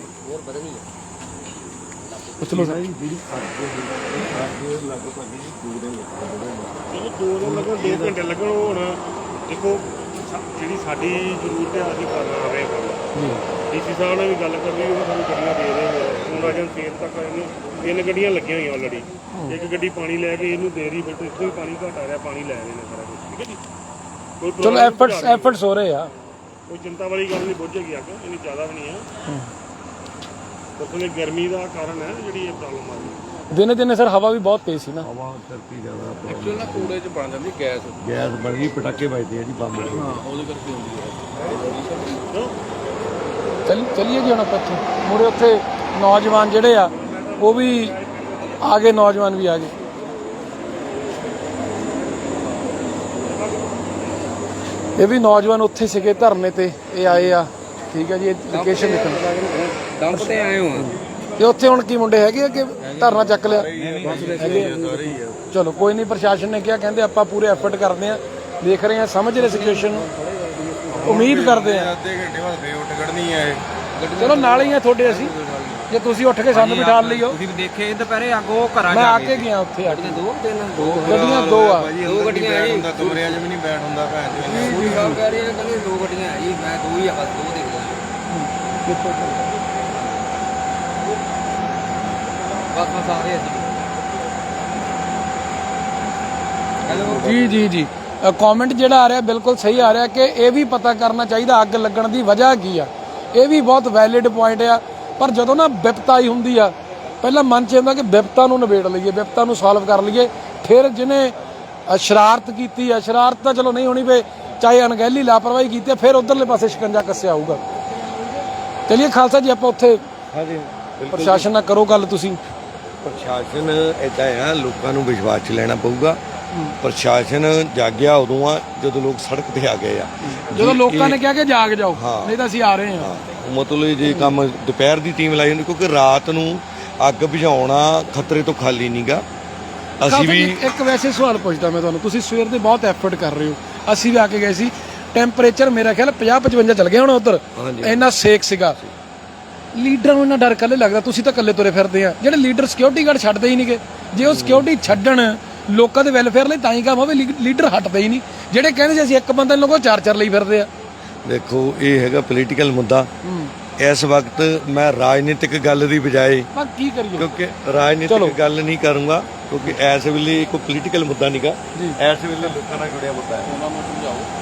Speaker 1: ਪੁੱਛ ਲਓ ਸਰ।
Speaker 3: ਚਲੋ ਦੋ ਦਿਨ ਲੱਗਣ, ਦੋ ਘੰਟੇ ਲੱਗਣ। ਹੁਣ ਦੇਖੋ ਸਾ- ਜਿਹੜੀ ਸਾਡੀ ਜ਼ਰੂਰਤ ਹੈ ਅਸੀਂ ਕਰ ਰਹੇ ਹਾਂ। ਡੀਸੀ ਸਾਹਿਬ ਨਾਲ ਵੀ ਗੱਲ ਕਰ ਲਈ, ਉਹ ਸਾਨੂੰ ਗੱਡੀਆਂ ਦੇ ਰਹੇ ਨੇ। ਹੁਣ ਅਜੇ ਸੇਲ ਤੱਕ ਇਹਨੂੰ ਤਿੰਨ ਗੱਡੀਆਂ ਲੱਗੀਆਂ ਹੋਈਆਂ ਆਲਰੇਡੀ। ਇੱਕ ਗੱਡੀ ਪਾਣੀ ਲੈ ਕੇ ਇਹਨੂੰ ਦੇ ਰਹੀ, ਬਟ ਇੱਥੋਂ ਹੀ ਪਾਣੀ ਘਟ ਆ ਰਿਹਾ, ਪਾਣੀ ਲੈ ਰਹੇ ਨੇ ਸਾਰਾ ਕੁਝ। ਠੀਕ ਹੈ ਜੀ, ਕੋਈ
Speaker 1: ਚਲੋ
Speaker 3: problem
Speaker 1: ਐਫਰਟਸ
Speaker 3: ਨਹੀਂ,
Speaker 1: ਐਫਰਟਸ ਹੋ ਰਹੇ ਆ।
Speaker 3: ਕੋਈ ਚਿੰਤਾ ਵਾਲੀ ਗੱਲ ਨਹੀਂ, ਬੁੱਝੇਗੀ ਅੱਗ, ਇੰਨੀ ਜ਼ਿਆਦਾ ਵੀ ਨਹੀਂ ਹੈ। ਉਸਨੇ ਗਰਮੀ ਦਾ ਕਾਰਨ ਹੈ ਜਿਹੜੀ ਇਹ ਪ੍ਰੋਬਲਮ ਆ ਰਹੀ ਹੈ।
Speaker 1: ਦਿਨੇ ਦਿਨੇ ਸਰ ਹਵਾ ਵੀ ਬਹੁਤ ਤੇਜ਼ ਸੀ ਨਾ।
Speaker 2: ਹਵਾ ਕਰਕੇ ਜ਼ਿਆਦਾ
Speaker 5: ਐਕਚੁਅਲ ਨਾ ਕੂੜੇ ਚ ਬਣ ਜਾਂਦੀ ਗੈਸ।
Speaker 2: ਗੈਸ ਬਣ ਗਈ, ਪਟਾਕੇ ਵੱਜਦੇ ਆ ਜੀ ਬੰਬ।
Speaker 5: ਹਾਂ ਉਹਦੇ ਕਰਕੇ ਹੁੰਦੀ ਹੈ।
Speaker 1: ਚੱਲ ਚੱਲੀਏ ਜੀ ਹੁਣ ਆਪਾਂ ਇੱਥੋਂ ਮੁੜੇ। ਉੱਥੇ ਨੌਜਵਾਨ ਜਿਹੜੇ ਆ ਉਹ ਵੀ ਆ ਗਏ, ਨੌਜਵਾਨ ਵੀ ਆ ਗਏ। ਇਹ ਵੀ ਨੌਜਵਾਨ ਉੱਥੇ ਸੀਗੇ ਧਰਨੇ ਤੇ, ਇਹ ਆਏ ਆ। ਠੀਕ ਹੈ ਜੀ, ਇਹ ਲੋਕੇਸ਼ਨ ਦੇਖਣ
Speaker 5: ਡੰਪ ਤੇ ਆਏ ਹੋ।
Speaker 1: ਤੇ ਉੱਥੇ ਹੁਣ ਕੀ ਮੁੰਡੇ ਹੈਗੇ ਆ ਕਿ ਧਰਨਾ ਚੱਕ ਲਿਆ? ਚਲੋ ਕੋਈ ਨਹੀਂ, ਪ੍ਰਸ਼ਾਸਨ ਨੇ ਕਿਹਾ, ਕਹਿੰਦੇ ਆਪਾਂ ਪੂਰੇ ਐਫਰਟ ਕਰਦੇ ਆ, ਦੇਖ ਰਹੇ ਆ, ਸਮਝ ਰਹੇ ਸਿਚੁਏਸ਼ਨ ਨੂੰ, ਉਮੀਦ ਕਰਦੇ ਆ।
Speaker 4: ਅੱਧੇ ਘੰਟੇ ਬਾਅਦ ਫੇਰ ਉੱਠ ਖੜਨੀ ਹੈ ਇਹ।
Speaker 1: ਚਲੋ ਨਾਲ ਹੀ ਆ ਤੁਹਾਡੇ ਅਸੀਂ, ਜੇ ਤੁਸੀਂ ਉੱਠ ਕੇ ਸਾਨੂੰ ਬਿਠਾ ਲਈਓ।
Speaker 5: ਤੁਸੀਂ ਵੀ ਦੇਖੇ ਦੁਪਹਿਰੇ ਅੱਗ ਉਹ ਘਰਾਂ
Speaker 1: ਮੈਂ
Speaker 5: ਜਾ
Speaker 1: ਆ
Speaker 5: ਕੇ
Speaker 1: ਕੇ ਗਿਆ ਉੱਥੇ ਆ ਕੇ।
Speaker 5: ਦੋ ਦਿਨ ਦੋ
Speaker 1: ਗੱਡੀਆਂ ਦੋ ਆ।
Speaker 5: ਦੋ ਗੱਡੀਆਂ ਆ ਜੀ।
Speaker 4: ਕਮਰਿਆਂ 'ਚ ਵੀ ਨਹੀਂ ਬੈਠ ਹੁੰਦਾ ਭੈਣ ਜੀ।
Speaker 5: ਪੂਰੀ ਸਾਹਿਬ ਕਹਿ ਰਹੇ ਆ, ਕਹਿੰਦੇ ਦੋ ਗੱਡੀਆਂ ਆ ਜੀ, ਮੈਂ ਦੋ ਹੀ ਆ ਬਸ, ਦੋ ਦੇਖ ਲਿਆ ਬਸ ਬਸ ਆ ਰਹੇ ਅਸੀਂ। ਹੈਲੋ
Speaker 1: ਜੀ ਜੀ ਜੀ, ਕਮੈਂਟ ਜਿਹੜਾ ਆ ਰਿਹਾ ਬਿਲਕੁਲ ਸਹੀ ਆ ਰਿਹਾ ਕਿ ਇਹ ਵੀ ਪਤਾ ਕਰਨਾ ਚਾਹੀਦਾ ਅੱਗ ਲੱਗਣ ਦੀ ਵਜ੍ਹਾ ਕੀ ਆ। ਇਹ ਵੀ ਬਹੁਤ ਵੈਲਿਡ ਪੁਆਇੰਟ ਆ। ਪਰ ਜਦੋਂ ਨਾ ਵਿਪਤਾ ਆਈ ਹੁੰਦੀ ਆ, ਪਹਿਲਾਂ ਮਨ 'ਚ ਹੁੰਦਾ ਕਿ ਵਿਪਤਾ ਨੂੰ ਨਿਬੇੜ ਲਈਏ, ਵਿਪਤਾ ਨੂੰ ਸੋਲਵ ਕਰ ਲਈਏ। ਫਿਰ ਜਿਹਨੇ ਸ਼ਰਾਰਤ ਕੀਤੀ ਆ, ਸ਼ਰਾਰਤ ਤਾਂ ਚਲੋ ਨਹੀਂ ਹੋਣੀ ਵੇ, ਚਾਹੇ ਅਣਗਹਿਲੀ ਲਾਪਰਵਾਹੀ ਕੀਤੀ, ਫਿਰ ਉਧਰਲੇ ਪਾਸੇ ਸ਼ਿਕੰਜਾ ਕੱਸਿਆ ਆਊਗਾ। ਚਲਿਏ ਖਾਲਸਾ ਜੀ, ਆਪਾਂ ਉੱਥੇ
Speaker 2: ਹਾਂਜੀ
Speaker 1: ਪ੍ਰਸ਼ਾਸਨ ਨਾਲ ਕਰੋ ਗੱਲ ਤੁਸੀਂ।
Speaker 2: ਪ੍ਰਸ਼ਾਸਨ ਏਦਾਂ ਆ, ਲੋਕਾਂ ਨੂੰ ਵਿਸ਼ਵਾਸ 'ਚ ਲੈਣਾ ਪਊਗਾ। ਪ੍ਰਸ਼ਾਸਨ ਜਾਗਿਆ ਉਦੋਂ ਆ ਜਦੋਂ ਲੋਕ ਸੜਕ ਤੇ ਆ ਗਏ ਆ।
Speaker 1: ਜਦੋਂ ਲੋਕਾਂ ਨੇ ਕਿਹਾ ਕਿ ਜਾਗ ਜਾਓ,
Speaker 2: ਹਾਂ।
Speaker 1: ਨਹੀਂ ਤਾਂ ਅਸੀਂ ਆ ਰਹੇ ਹਾਂ।
Speaker 2: ਮਤਲਬ ਜੇ ਕੰਮ ਦੁਪਹਿਰ ਦੀ ਟੀਮ ਲਾਈ ਹੁੰਦੀ, ਕਿਉਂਕਿ ਰਾਤ ਨੂੰ ਅੱਗ ਬੁਝਾਉਣਾ ਖਤਰੇ ਤੋਂ ਖਾਲੀ ਨਹੀਂਗਾ। ਅਸੀਂ ਵੀ
Speaker 1: ਇੱਕ ਵੈਸੇ ਸਵਾਲ ਪੁੱਛਦਾ ਮੈਂ ਤੁਹਾਨੂੰ, ਤੁਸੀਂ ਸਵੇਰ ਦੇ ਬਹੁਤ ਐਫਰਟ ਕਰ ਰਹੇ ਹੋ, ਅਸੀਂ ਵੀ ਆ ਕੇ ਗਏ ਸੀ, ਟੈਂਪਰੇਚਰ ਮੇਰਾ ਖਿਆਲ ਪੰਜਾਹ ਪਚਵੰਜਾ ਚੱਲ ਗਿਆ ਹੁਣ ਉਧਰ, ਇੰਨਾ ਸੇਕ ਸੀਗਾ। ਲੀਡਰਾਂ ਨੂੰ ਇੰਨਾ ਡਰ ਕੱਲੇ ਲੱਗਦਾ, ਤੁਸੀਂ ਤਾਂ ਇਕੱਲੇ ਤੁਰੇ ਫਿਰਦੇ ਆ, ਜਿਹੜੇ ਲੀਡਰ ਸਿਕਿਉਰਿਟੀ ਗਾਰਡ ਛੱਡਦੇ ਹੀ ਨਹੀਂਗੇ। ਜੇ ਉਹ ਸਿਕਿਉਰਿਟੀ ਛੱਡਣ ਲੋਕਾਂ ਦੇ ਵੈਲਫੇਅਰ ਲਈ ਤਾਂ ਹੀ ਕੰਮ ਹੋਵੇ, ਲੀਡਰ ਹਟਦੇ ਹੀ ਨਹੀਂ। ਜਿਹੜੇ ਕਹਿੰਦੇ ਸੀ ਅਸੀਂ ਇੱਕ ਬੰਦੇ ਨੂੰ ਲੋਕੋ ਚਾਰ ਚਾਰ ਲਈ ਫਿਰਦੇ ਆ।
Speaker 2: ਦੇਖੋ ਇਹ ਹੈਗਾ ਪੋਲੀਟੀਕਲ ਮੁੱਦਾ। ਇਸ ਵਕਤ ਮੈਂ ਰਾਜਨੀਤਿਕ ਗੱਲ ਦੀ ਬਜਾਏ
Speaker 1: ਪਰ ਕੀ ਕਰੀਏ,
Speaker 2: ਕਿਉਂਕਿ ਰਾਜਨੀਤਿਕ ਗੱਲ ਨਹੀਂ ਕਰੂੰਗਾ, ਕਿਉਂਕਿ ਇਸ ਵੇਲੇ ਕੋਈ ਪੋਲੀਟੀਕਲ ਮੁੱਦਾ ਨਹੀਂਗਾ, ਇਸ ਵੇਲੇ ਲੋਕਾਂ ਨਾਲ ਜੁੜਿਆ ਮੁੱਦਾ ਹੈ। ਉਹਨਾਂ ਨੂੰ